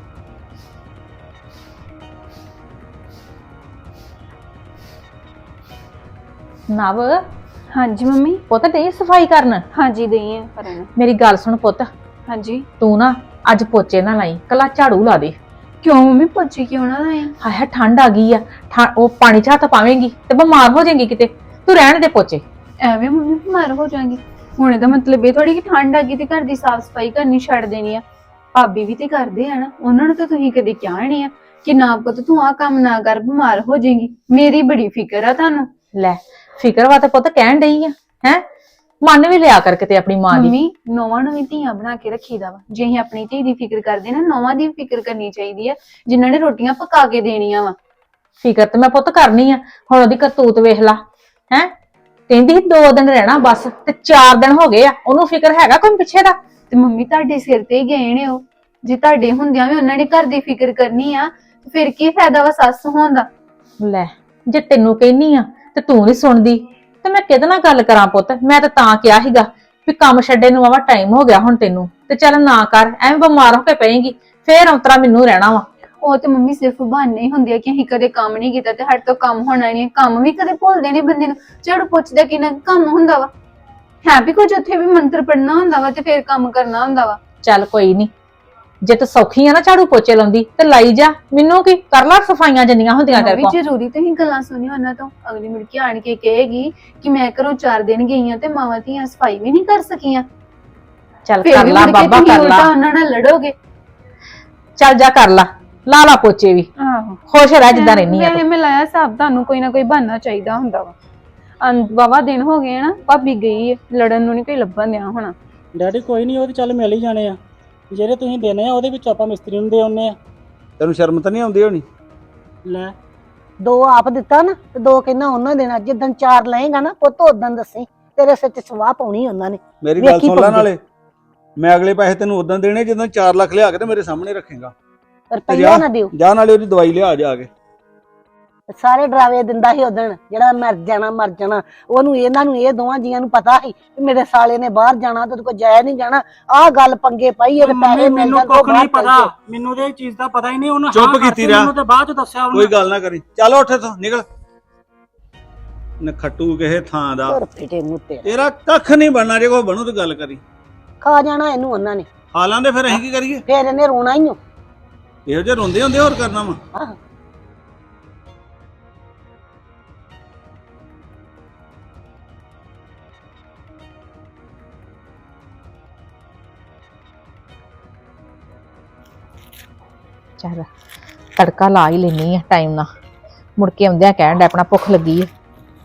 [SPEAKER 5] ਨਵ
[SPEAKER 2] ਹਾਂਜੀ ਮੰਮੀ।
[SPEAKER 5] ਪੁੱਤ ਡਈ ਸਫਾਈ ਕਰਨ?
[SPEAKER 2] ਹਾਂਜੀ ਦਈ ਆ ਕਰਨ।
[SPEAKER 5] ਮੇਰੀ ਗੱਲ ਸੁਣ ਪੁੱਤ,
[SPEAKER 2] ਹਾਂਜੀ।
[SPEAKER 5] ਤੂੰ ਨਾ ਅੱਜ ਪੋਚੇ ਨਾ ਲਾਈ, ਕੱਲਾ ਝਾੜੂ ਲਾ ਦੇ।
[SPEAKER 2] ਕਿਉਂ ਮੰਮੀ ਪੋਚੇ ਕਿਉਂ ਨਾ ਲਾਏ?
[SPEAKER 5] ਹਾਏ ਹਾਏ ਠੰਡ ਆ ਗਈ ਆ, ਠਾ- ਉਹ ਪਾਣੀ ਚ ਹੱਥ ਪਾਵੇਂਗੀ ਤੇ ਬਿਮਾਰ ਹੋ ਜਾਏਗੀ ਕਿਤੇ, ਤੂੰ ਰਹਿਣ ਦੇ ਪੋਚੇ।
[SPEAKER 2] ਐਵੇਂ ਮੰਮੀ ਬਿਮਾਰ ਹੋ ਜਾਵਾਂਗੀ? ਹੁਣ ਇਹਦਾ ਮਤਲਬ ਇਹ ਥੋੜੀ ਕਿ ਠੰਡ ਆ ਗਈ ਤੇ ਘਰ ਦੀ ਸਾਫ਼ ਸਫਾਈ ਕਰਨੀ ਛੱਡ ਦੇਣੀ ਆ। ਭਾਬੀ ਵੀ ਤੇ ਕਰਦੇ ਆ ਨਾ, ਉਹਨਾਂ ਨੂੰ ਤਾਂ ਤੁਸੀਂ ਕਦੇ ਕਿਹਾ ਨਹੀਂ ਆ ਕਿ ਨਾ ਪੁੱਤ ਤੂੰ ਆਹ ਕੰਮ ਨਾ ਕਰ, ਬਿਮਾਰ ਹੋ ਜਾਏਗੀ। ਮੇਰੀ ਬੜੀ ਫਿਕਰ ਆ ਤੁਹਾਨੂੰ।
[SPEAKER 5] ਲੈ ਫਿਕਰ ਵਾ ਤੇ ਪੁੱਤ ਕਹਿਣ ਡਈ ਆ ਹੈ, ਮੰਨ ਵੀ ਲਿਆ ਕਰ ਕਿਤੇ ਆਪਣੀ ਮਾਂ ਦੀ।
[SPEAKER 2] ਮੰਮੀ ਨੌਵਾਂ ਨੂੰ ਵੀ ਧੀਆਂ ਬਣਾ ਕੇ ਰੱਖੀਦਾ ਵਾ, ਜੇ ਅਸੀਂ ਆਪਣੀ ਧੀ ਦੀ ਫਿਕਰ ਕਰਦੇ ਨਾ, ਨੌਵਾਂ ਦੀ ਵੀ ਫਿਕਰ ਕਰਨੀ ਚਾਹੀਦੀ ਆ, ਜਿਨ੍ਹਾਂ ਨੇ ਰੋਟੀਆਂ ਪਕਾ ਕੇ ਦੇਣੀਆਂ ਵਾ।
[SPEAKER 5] ਫਿਕਰ ਤੇ ਮੈਂ ਪੁੱਤ ਕਰਨੀ ਆ, ਹੁਣ ਉਹਦੀ ਕਰਤੂਤ ਵੇਖ ਲਾ ਹੈ, ਕਹਿੰਦੀ ਸੀ ਦੋ ਦਿਨ ਰਹਿਣਾ ਬਸ, ਤੇ ਚਾਰ ਦਿਨ ਹੋ ਗਏ ਆ, ਉਹਨੂੰ ਫਿਕਰ ਹੈਗਾ ਕੋਈ ਪਿੱਛੇ ਦਾ?
[SPEAKER 2] ਤੇ ਮੰਮੀ ਤੁਹਾਡੇ ਸਿਰ ਤੇ ਹੀ ਗਏ ਨੇ ਉਹ, ਜੇ ਤੁਹਾਡੇ ਹੁੰਦਿਆਂ ਵੀ ਉਹਨਾਂ ਨੇ ਘਰ ਦੀ ਫਿਕਰ ਕਰਨੀ ਆ, ਤੇ ਫਿਰ ਕੀ ਫਾਇਦਾ ਵਾ ਸੱਸ ਹੋਣ ਦਾ?
[SPEAKER 5] ਲੈ ਜੇ ਤੈਨੂੰ ਕਹਿਨੀ ਆ ਤੇ ਤੂੰ ਨਹੀਂ ਸੁਣਦੀ, ਤੇ ਮੈਂ ਕਿਹਦੇ ਨਾਲ ਗੱਲ ਕਰਾਂ ਪੁੱਤ? ਮੈਂ ਤਾਂ ਤਾਂ ਕਿਹਾ ਸੀਗਾ ਵੀ ਕੰਮ ਛੱਡੇ ਨੂੰ ਵਾਵਾ ਟਾਈਮ ਹੋ ਗਿਆ ਹੁਣ ਤੈਨੂੰ, ਤੇ ਚੱਲ ਨਾ ਕਰ, ਐਵੇਂ ਬਿਮਾਰ ਹੋ ਕੇ ਪਏਗੀ, ਫੇਰ ਔਤਰਾ ਮੈਨੂੰ ਰਹਿਣਾ ਵਾ।
[SPEAKER 2] ਉਹ ਤੇ ਮੰਮੀ ਸਿਰਫ ਬਹਾਨੇ ਹੀ ਹੁੰਦੇ ਆ ਕਿ ਅਸੀਂ ਕਦੇ ਕੰਮ ਨਹੀਂ ਕੀਤਾ ਤੇ ਸਾਡੇ ਤੋਂ ਕੰਮ ਹੋਣਾ ਨਹੀਂ। ਕੰਮ ਵੀ ਕਦੇ ਭੁੱਲਦੇ ਨੇ ਬੰਦੇ ਨੂੰ, ਝਾੜੂ ਪੁੱਛਦਾ ਕਿੰਨਾ ਕੰਮ ਹੁੰਦਾ ਵਾ, ਹੈ ਵੀ ਕੁਝ ਉੱਥੇ ਵੀ ਮੰਤਰ ਪੜਨਾ ਹੁੰਦਾ ਵਾ ਤੇ ਫੇਰ ਕੰਮ ਕਰਨਾ ਹੁੰਦਾ ਵਾ।
[SPEAKER 5] ਚੱਲ ਕੋਈ ਨਹੀਂ, ਜੇ ਤੂੰ ਸੌਖੀ ਆ ਨਾ ਝਾੜੂ ਪੋਚੇ ਲਾਉਂਦੀ ਤੇ ਲਾਈ ਜਾ, ਮੈਨੂੰ ਕੀ ਕਰ ਲਾ, ਸਫਾਈਆਂ ਜਿੰਨੀਆਂ ਹੁੰਦੀਆਂ ਤੇਰੇ
[SPEAKER 2] ਵੀ
[SPEAKER 5] ਕੋਲ।
[SPEAKER 2] ਜ਼ਰੂਰੀ ਤੇ ਹੀ ਗੱਲਾਂ ਸੁਣੀ ਉਹਨਾਂ ਤੋਂ, ਅਗਲੀ ਮੁੜ ਕੇ ਆਣ ਕੇ ਕਹੇਗੀ ਕਿ ਮੈਂ ਘਰੋਂ ਚਾਰ ਦਿਨ ਗਈ ਆ ਤੇ ਮਾਵਾਂ ਧੀਆਂ ਸਫਾਈ ਵੀ ਨਹੀਂ ਕਰ ਸਕੀਆਂ।
[SPEAKER 5] ਚੱਲ
[SPEAKER 2] ਫੇਰ
[SPEAKER 5] ਕਰ
[SPEAKER 2] ਵੀ
[SPEAKER 5] ਲਾ
[SPEAKER 2] ਮੁੜ ਕੇ
[SPEAKER 5] ਬਾਬਾ,
[SPEAKER 2] ਤੁਸੀਂ
[SPEAKER 5] ਕਰ
[SPEAKER 2] ਉਲਟਾ
[SPEAKER 5] ਲਾ,
[SPEAKER 2] ਉਹਨਾਂ ਨਾਲ ਲੜੋਗੇ।
[SPEAKER 5] ਚੱਲ ਜਾ ਕਰ ਲਾ, ਲਾ ਲਾ ਪੋਚੇ ਵੀ,
[SPEAKER 2] ਆਹੋ
[SPEAKER 5] ਖੁਸ਼ ਰਹਿ ਜਿੱਦਾਂ ਰਹਿਨੀ ਆ
[SPEAKER 2] ਵੈਸੇ
[SPEAKER 5] ਤੂੰ।
[SPEAKER 2] ਮੈਂ ਲਾਇਆ ਹਿਸਾਬ, ਤੁਹਾਨੂੰ ਕੋਈ ਨਾ ਕੋਈ ਬਹਾਨਾ ਚਾਹੀਦਾ ਹੁੰਦਾ ਵਾ। ਵਾਵਾ ਦਿਨ ਹੋ ਗਏ ਨਾ, ਭਾਬੀ ਗਈ ਹੈ, ਲੜਨ ਨੂੰ ਨਹੀਂ ਕੋਈ ਲੱਭਣ ਦਿਆ ਹੋਣਾ।
[SPEAKER 1] ਡੈਡੀ ਕੋਈ ਨਹੀਂ, ਉਹ ਤੇ ਚੱਲ ਮਿਲ ਹੀ ਜਾਣੇ ਆ, ਜਿਹੜੇ ਤੁਸੀਂ ਦੇਣੇ ਆ ਉਹਦੇ ਵਿੱਚ ਆਪਾਂ ਮਿਸਤਰੀ ਨੂੰ ਦੇ ਆਉਨੇ ਆ।
[SPEAKER 4] ਤੈਨੂੰ ਸ਼ਰਮ ਤਾਂ ਨਹੀਂ ਆਉਂਦੀ ਹੋਣੀ?
[SPEAKER 1] ਲੈ
[SPEAKER 3] ਦੋ ਆਪ ਦਿੱਤਾ ਨਾ ਤੇ ਦੋ ਕਹਿੰਦਾ ਉਹਨਾਂ ਦੇਣਾ, ਜਿੱਦਣ ਚਾਰ ਲਏਗਾ ਨਾ ਪੁੱਤ ਉਦੋਂ ਦੱਸੀ, ਤੇਰੇ ਸਿਰ ਤੇ ਸਵਾਹ ਪਾਉਣੀ ਉਹਨਾਂ ਨੇ।
[SPEAKER 4] ਮੇਰੀ ਗੱਲ
[SPEAKER 3] ਵੇਖੀ
[SPEAKER 4] ਸੁਣ ਲੈ,
[SPEAKER 3] ਪਾਉਂਦੇ।
[SPEAKER 4] ਨਾਲੇ ਮੈਂ ਅਗਲੇ ਪੈਸੇ ਤੈਨੂੰ ਉਦੋਂ ਦੇਣੇ ਜਦੋਂ ਚਾਰ ਲੱਖ ਲਿਆ ਕੇ ਤੇ ਮੇਰੇ ਸਾਹਮਣੇ ਰੱਖੇਗਾ।
[SPEAKER 3] ਰੁਪਈਆ ਨਾ ਦਿਓ।
[SPEAKER 4] ਜਾ ਨਾਲੇ ਉਹਦੀ ਦਵਾਈ ਲਿਆ ਜਾ ਕੇ।
[SPEAKER 3] ਸਾਰੇ ਡਰਾਵੇ ਦਿੰਦਾ ਸੀ ਉਦਣ, ਜਿਹੜਾ ਮਰ ਜਾਣਾ ਮਰ ਜਾਣਾ, ਉਹਨੂੰ ਇਹਨਾਂ ਨੂੰ ਇਹ ਦੋਵਾਂ ਜੀਆਂ ਨੂੰ ਪਤਾ ਸੀ ਕਿ ਮੇਰੇ ਸਾਲੇ ਨੇ ਬਾਹਰ ਜਾਣਾ ਤੇ ਉਹਦੇ ਕੋਲ ਜਾਇਆ ਨਹੀਂ ਜਾਣਾ। ਆਹ ਗੱਲ ਪੰਗੇ ਪਾਈ, ਇਹਦੇ
[SPEAKER 1] ਮੰਮੀ
[SPEAKER 3] ਪੈਸੇ ਮਿਲ
[SPEAKER 1] ਮੈਨੂੰ
[SPEAKER 3] ਜਾਂਦੇ
[SPEAKER 1] ਕੁੱਖ ਨਹੀਂ
[SPEAKER 3] ਬਾਹਰ
[SPEAKER 1] ਪਤਾ, ਮੈਨੂੰ ਤੇ ਇਹ ਚੀਜ਼ ਦਾ ਪਤਾ ਹੀ ਨਹੀਂ। ਉਹਨੂੰ
[SPEAKER 4] ਚੁੱਪ
[SPEAKER 1] ਹਾਂ
[SPEAKER 4] ਕੀਤੀ
[SPEAKER 1] ਕਰਤੀ,
[SPEAKER 4] ਰਿਹਾ।
[SPEAKER 1] ਮੈਨੂੰ ਤੇ ਬਾਅਦ ਚ ਦੱਸਿਆ ਉਹਨੇ।
[SPEAKER 4] ਕੋਈ ਗੱਲ ਨਾ ਕਰੀ, ਚੱਲ ਉੱਠ ਇੱਥੋਂ ਨਿਕਲ, ਨਖੱਟੂ ਕਿਸੇ ਥਾਂ ਦਾ।
[SPEAKER 3] ਹੋਰ ਫਿਟੇ ਮੂੰਹ ਤੇ
[SPEAKER 4] ਤੇਰਾ ਕੱਖ ਨਹੀਂ ਬਣਨਾ, ਜੇ ਕੋਈ ਬਣੂ ਤੇ ਗੱਲ ਕਰੀ।
[SPEAKER 3] ਖਾ ਜਾਣਾ ਇਹਨੂੰ ਉਹਨਾਂ ਨੇ,
[SPEAKER 4] ਹਾਲਾਂ ਦੇ ਫਿਰ ਅਸੀਂ ਕੀ ਕਰੀਏ?
[SPEAKER 3] ਫੇਰ ਇਹਨੇ ਰੋਣਾ ਹੀ ਓ।
[SPEAKER 4] ਇਹੋ ਜਿਹੇ ਰੋਂਦੇ ਹੁੰਦੇ, ਹੋਰ ਕਰਨਾ ਵਾ।
[SPEAKER 3] ਆਹ
[SPEAKER 5] ਚੱਲ ਤੜਕਾ ਲਾ ਹੀ ਲੈਣੀ ਆ ਟਾਈਮ ਨਾਲ, ਮੁੜ ਕੇ ਆਉਂਦਿਆਂ ਕਹਿਣ ਡਿਆ ਆਪਣਾ ਭੁੱਖ ਲੱਗੀ ਹੈ।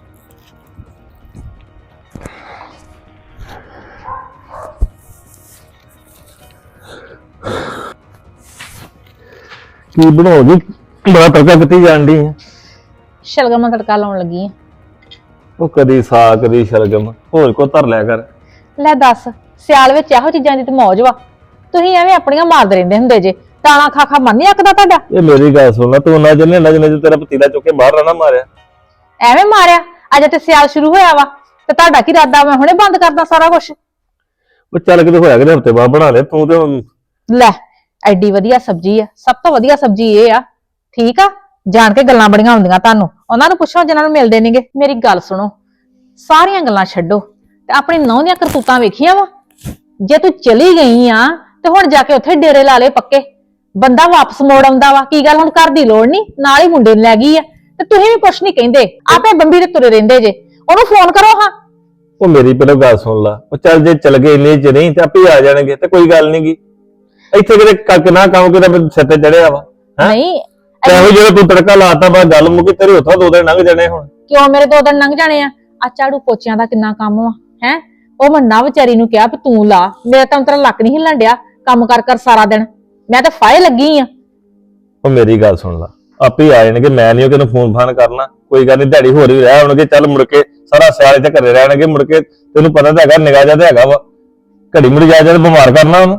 [SPEAKER 6] ਕੀ ਬਣਾਉਗੀ? ਬੜਾ ਤੜਕਾ ਕਿੱਥੇ ਜਾਣ ਦੀ ਹੈ?
[SPEAKER 5] ਸ਼ਲਗਮ ਨਾਲ ਤੜਕਾ ਲਾਉਣ ਲੱਗੀ ਆ।
[SPEAKER 6] ਉਹ ਕਦੀ ਸਾਗ ਕਦੀ ਸ਼ਲਗਮ, ਹੋਰ ਕੋ ਧਰ ਲਿਆ ਕਰ।
[SPEAKER 5] ਲੈ ਦੱਸ, ਸਿਆਲ ਵਿੱਚ ਇਹੋ ਚੀਜ਼ਾਂ ਦੀ ਤੇ ਮੌਜ ਵਾ, ਤੁਸੀਂ ਐਵੇਂ ਆਪਣੀਆਂ ਮਾਰਦੇ ਰਹਿੰਦੇ ਹੁੰਦੇ ਜੇ, ਤਾਣਾ ਖਾ ਖਾ ਮਨ ਨੀ ਅੱਕਦਾ ਤੁਹਾਡਾ?
[SPEAKER 6] ਇਹ ਮੇਰੀ ਗੱਲ ਸੁਣ ਲੈ, ਤੂੰ ਨਾ ਜੰਨੇ ਨਾ ਜੰਨੇ ਤੇਰਾ ਪਤੀਲਾ ਚੁੱਕ ਕੇ ਬਾਹਰ ਨਾ ਮਾਰਿਆ।
[SPEAKER 5] ਐਵੇਂ ਮਾਰਿਆ? ਅਜੇ ਤੇ ਸਿਆਲ ਸ਼ੁਰੂ ਹੋਇਆ ਵਾ ਤੇ ਤੁਹਾਡਾ ਕੀ ਇਰਾਦਾ? ਮੈਂ ਹੁਣੇ ਬੰਦ ਕਰਦਾ ਸਾਰਾ ਕੁਝ।
[SPEAKER 6] ਉਹ ਚੱਲ ਕਿਤੇ ਹੋਇਆ ਕਿਤੇ ਹਫਤੇ ਬਾਅਦ ਬਣਾ ਲੈ ਤੂੰ ਤੇ ਹੁਣ।
[SPEAKER 5] ਲੈ ਐਡੀ ਵਧੀਆ ਸਬਜ਼ੀ ਆ, ਸਭ ਤੋਂ ਵਧੀਆ ਸਬਜ਼ੀ ਇਹ ਆ। ਠੀਕ ਆ, ਜਾਣ ਕੇ ਗੱਲਾਂ ਬੜੀਆਂ ਹੁੰਦੀਆਂ ਤੁਹਾਨੂੰ। ਉਹਨਾਂ ਨੂੰ ਪੁੱਛੋ ਜਿਨ੍ਹਾਂ ਨੂੰ ਮਿਲਦੇ ਨੇਗੇ। ਮੇਰੀ ਗੱਲ ਸੁਣੋ, ਸਾਰੀਆਂ ਗੱਲਾਂ ਛੱਡੋ ਤੇ ਆਪਣੀ ਨਹੁੰ ਦੀਆਂ ਕਰਤੂਤਾਂ ਵੇਖੀਆਂ ਵਾ। ਜੇ ਤੂੰ ਚਲੀ ਗਈ ਆ ਤੇ ਹੁਣ ਜਾ ਕੇ ਉੱਥੇ ਡੇਰੇ ਲਾ ਲਏ ਪੱਕੇ। ਬੰਦਾ ਵਾਪਸ ਮੋੜ ਆਉਂਦਾ ਵਾ। ਕੀ ਗੱਲ ਹੁਣ ਘਰ ਦੀ ਲੋੜ ਨਹੀਂ, ਨਾਲ ਹੀ ਮੁੰਡੇ ਨੂੰ ਲੈ ਗਈ ਆ ਤੇ ਤੁਸੀਂ ਵੀ ਕੁਛ ਨਹੀਂ ਕਹਿੰਦੇ, ਆਪੇ ਬੰਬੀ ਤੇ ਤੁਰੇ ਰਹਿੰਦੇ ਜੇ। ਉਹਨੂੰ ਫੋਨ ਕਰੋ ਹਾਂ।
[SPEAKER 6] ਉਹ ਮੇਰੀ ਪਹਿਲਾਂ ਗੱਲ ਸੁਣ ਲਾ, ਉਹ ਚੱਲ ਜੇ ਚਲ ਗਏ ਇੰਨੇ ਚ ਨਹੀਂ ਤੇ ਆਪੇ ਆ ਜਾਣਗੇ ਤੇ ਕੋਈ ਗੱਲ ਨੀ ਗੀ। ਇੱਥੇ ਕਿਤੇ ਕੱਕ ਨਾ ਕੰਮ ਕਿਤੇ ਸਿਰ ਤੇ ਚੜਿਆ ਵਾ।
[SPEAKER 5] ਨਹੀਂ
[SPEAKER 6] ਇਹੋ ਜਦੋਂ ਤੂੰ ਤੜਕਾ ਲਾਤਾ ਬਾ ਗੱਲ ਮੁੱਕੀ, ਤੇਰੇ ਉੱਥੋਂ ਦੋ ਦਿਨ ਲੰਘ ਜਾਣੇ ਹੁਣ।
[SPEAKER 5] ਕਿਉਂ ਮੇਰੇ ਦੋ ਦਿਨ ਲੰਘ ਜਾਣੇ ਆ? ਆ ਝਾੜੂ ਪੋਚਿਆਂ ਦਾ ਕਿੰਨਾ ਕੰਮ ਵਾ ਹੈ। ਉਹ ਮੰਨਾ ਵਿਚਾਰੀ ਨੂੰ ਕਿਹਾ ਵੀ ਤੂੰ ਲਾ, ਮੇਰਾ ਤਾਂ ਤੇਰਾ ਲੱਕ ਨਹੀਂ ਹਿੱਲਣ ਡਿਆ ਕੰਮ ਕਰ ਕਰ ਸਾਰਾ ਦਿਨ। ਮੈਂ ਤਾਂ ਫਾਇ ਲੱਗੀ ਆ।
[SPEAKER 6] ਉਹ ਮੇਰੀ ਗੱਲ ਸੁਣ ਲਾ, ਆਪੇ ਆ ਜਾਣਗੇ। ਮੈਂ ਨਹੀਂ ਉਹ ਕਿਹਨੂੰ ਫੋਨ ਫਾਨ ਕਰਨਾ। ਕੋਈ ਗੱਲ ਨਹੀਂ, ਦਿਹਾੜੀ ਹੋਰ ਵੀ ਰਹਿ ਆਉਣਗੇ। ਚੱਲ ਮੁੜ ਕੇ ਸਾਰਾ ਸਿਆਲ ਇੱਥੇ ਘਰੇ ਰਹਿਣਗੇ। ਮੁੜ ਕੇ ਤੈਨੂੰ ਪਤਾ ਤਾਂ ਹੈਗਾ, ਨਿਗਾਹ ਜਾ ਤਾਂ ਹੈਗਾ ਵਾ। ਘੜੀ ਮੁੜ ਜਾ ਜਾ ਬਿਮਾਰ ਕਰਨਾ ਉਹਨੂੰ।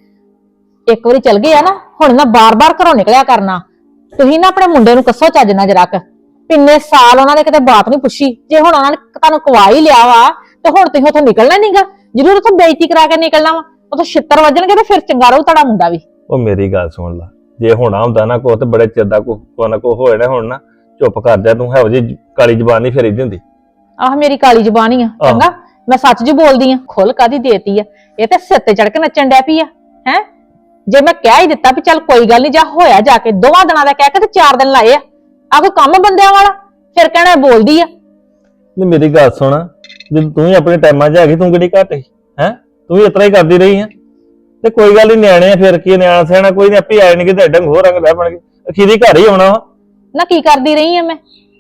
[SPEAKER 5] ਇੱਕ ਵਾਰੀ ਚਲ ਗਏ ਆ ਨਾ, ਹੁਣ ਨਾ ਬਾਰ-ਬਾਰ ਘਰੋਂ ਨਿਕਲਿਆ ਕਰਨਾ। ਤੁਸੀਂ ਨਾ ਆਪਣੇ ਮੁੰਡੇ ਨੂੰ ਕੱਸੋ ਚੱਜ ਨਾਲ ਜਰਾ ਕ। ਕਿੰਨੇ ਸਾਲ ਉਹਨਾਂ ਨੇ ਕਿਤੇ ਬਾਤ ਨਹੀਂ ਪੁੱਛੀ। ਜੇ ਹੁਣ ਉਹਨਾਂ ਨੇ ਤੁਹਾਨੂੰ ਕਵਾ ਹੀ ਲਿਆ ਵਾ ਤੇ ਹੁਣ ਤੁਸੀਂ ਉੱਥੋਂ ਨਿਕਲਣਾ ਨਹੀਂਗਾ। ਜ਼ਰੂਰ ਉੱਥੋਂ ਬੇਇੱਜ਼ਤੀ ਕਰਾ ਕੇ ਨਿਕਲਣਾ ਵਾ। ਉੱਥੋਂ ਛਿੱਤਰ ਵੱਜਣਗੇ ਤੇ ਫਿਰ ਚੰਗਾ ਰਹੂ ਤੁਹਾਡਾ ਮੁੰਡਾ ਵੀ।
[SPEAKER 6] ਉਹ ਮੇਰੀ ਗੱਲ ਸੁਣ ਲਾ, ਜੇ ਹੋਣਾ ਹੁੰਦਾ ਨਾ ਕੋ ਤੇ ਬੜੇ ਚਿਰ ਦਾ ਕੋ ਕੋ ਨਾ ਕੋ ਹੋਏ ਨਾ। ਹੁਣ ਨਾ ਚੁੱਪ ਕਰ ਜਾ ਤੂੰ। ਹੈ ਜੀ ਕਾਲੀ ਜ਼ਬਾਨ ਨਹੀਂ ਫੇਰੀਦੀ ਹੁੰਦੀ।
[SPEAKER 5] ਆਹ ਮੇਰੀ ਕਾਲੀ ਜ਼ਬਾਨ ਹੀ ਆ। ਚੰਗਾ ਮੈਂ ਸੱਚ ਜੀ ਬੋਲਦੀ ਆ। ਖੁੱਲ ਕਾਦੀ ਦੇਤੀ ਆ? ਇਹ ਤੇ ਸਿਰ ਤੇ ਚੜ ਕੇ ਨੱਚਣ ਡੈ ਪਈ ਆ ਹੈ। ਜੇ ਮੈਂ ਕਹਿ ਹੀ ਦਿੱਤਾ ਵੀ ਚੱਲ ਕੋਈ ਗੱਲ ਨਹੀਂ, ਜਾ ਹੋਇਆ ਜਾ ਕੇ ਦੋਵਾਂ ਦਿਨਾਂ ਦਾ ਕਹਿ ਕੇ ਤੇ ਚਾਰ ਦਿਨ ਲਾਏ ਆ। ਆ ਕੋਈ ਕੰਮ ਬੰਦਿਆਂ ਵਾਲਾ? ਫਿਰ ਕਹਿਣਾ ਬੋਲਦੀ ਆ।
[SPEAKER 6] ਨਹੀਂ ਮੇਰੀ ਗੱਲ ਸੁਣ, ਜੇ ਤੂੰ ਹੀ ਆਪਣੇ ਟਾਈਮਾਂ 'ਚ ਹੈਗੀ, ਤੂੰ ਕਿਹੜੀ ਘੱਟ ਹੈ ਹੈ। ਤੂੰ ਵੀ ਇਤਨਾ ਹੀ ਕਰਦੀ ਰਹੀ ਹੈ ਤੇ ਕੋਈ ਗੱਲ ਨਹੀਂ। ਨਿਆਣੇ ਆ ਫਿਰ ਕੀ, ਨਿਆਣਾ ਸਿਆਣਾ ਕੋਈ ਨਹੀਂ, ਆਪੇ ਆਏ ਨਹੀਂ ਕਿ ਡੰਗ ਹੋਰ ਰੰਗ ਲੈ ਬਣਗੇ। ਅਖੀਰੀ ਘਰ ਹੀ ਆਉਣਾ ਵਾ।
[SPEAKER 5] ਨਾ ਕੀ ਕਰਦੀ ਰਹੀ ਆ ਮੈਂ?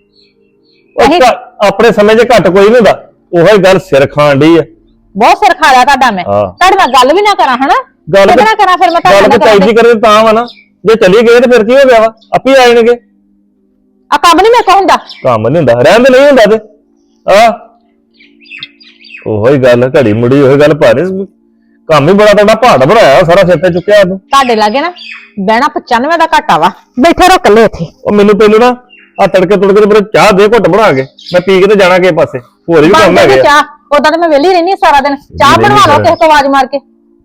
[SPEAKER 6] ਉਹ ਘਰ- ਆਪਣੇ ਸਮੇਂ 'ਚ ਘੱਟ ਕੋਈ ਨਹੀਂ ਹੁੰਦਾ। ਉਹੀ ਗੱਲ ਸਿਰ ਖਾਣ ਡਈ ਆ।
[SPEAKER 5] ਬਹੁਤ ਸਿਰ ਖਾ ਲਿਆ ਤੁਹਾਡਾ ਮੈਂ।
[SPEAKER 6] ਹਾਂ।
[SPEAKER 5] ਤੁਹਾਡੇ ਨਾਲ ਗੱਲ ਵੀ ਨਾ ਕਰਾਂ ਹਨਾ।
[SPEAKER 6] ਗੱਲ
[SPEAKER 5] ਕਿਹਦੇ ਨਾਲ ਕਰਾਂ ਫਿਰ ਮੈਂ ਤੁਹਾਡੇ
[SPEAKER 6] ਗੱਲ
[SPEAKER 5] ਨਾਲ
[SPEAKER 6] ਤੇ ਚਾਹੀਦੀ ਕਰੇ ਤਾਂ ਵਾ ਨਾ। ਜੇ ਚਲੀ ਗਏ ਤੇ ਫਿਰ ਕੀ ਹੋ ਗਿਆ ਵਾ? ਆਪੇ ਆ ਜਾਣਗੇ।
[SPEAKER 5] ਆ ਕੰਮ ਨਹੀਂ ਮੈਂ ਕਹੂੰਦਾ।
[SPEAKER 6] ਕੰਮ ਨਹੀਂ ਹੁੰਦਾ, ਰਹਿਣ ਦੇ ਨਹੀਂ ਹੁੰਦਾ ਤੇ ਆ ਉਹੀ ਗੱਲ ਘੜੀ ਮੁੜੀ ਉਹੀ ਗੱਲ ਭਾਰੇ। ਕੰਮ ਹੀ ਬੜਾ ਤੁਹਾਡਾ ਪਹਾੜ ਬਣਾਇਆ ਸਾਰਾ ਸਿਰ ਤੇ ਚੁੱਕਿਆ ਤੂੰ।
[SPEAKER 5] ਤੁਹਾਡੇ ਲਾਗੇ ਨਾ ਬਹਿਣਾ ਪਚਾਨਵੇਂ ਦਾ ਘਾਟਾ ਵਾ। ਬੈਠੇ ਰਹੋ ਇਕੱਲੇ ਇੱਥੇ।
[SPEAKER 6] ਉਹ ਮੈਨੂੰ ਪਹਿਲਾਂ ਨਾ ਆ ਤੜਕੇ ਤੁੜਕੇ ਤੇ ਮੇਰੇ ਚਾਹ ਦੇ ਘੁੱਟ ਬਣਾ ਕੇ ਮੈਂ ਪੀ ਕੇ ਤੇ ਜਾਣਾ ਕਿਸੇ ਪਾਸੇ। ਹੋਰ ਵੀ ਕੰਮ ਹੈਗੇ ਆ।
[SPEAKER 5] ਚਾਹ ਉਦਾਂ ਤਾਂ ਮੈਂ ਵਿਹਲੀ ਰਹਿਣੀ ਸਾਰਾ ਦਿਨ। ਚਾਹ
[SPEAKER 6] ਵਿਹਲੀ
[SPEAKER 5] ਬਣਵਾ ਲਓ ਕਿਸੇ ਤੋਂ ਆਵਾਜ਼ ਮਾਰ ਕੇ।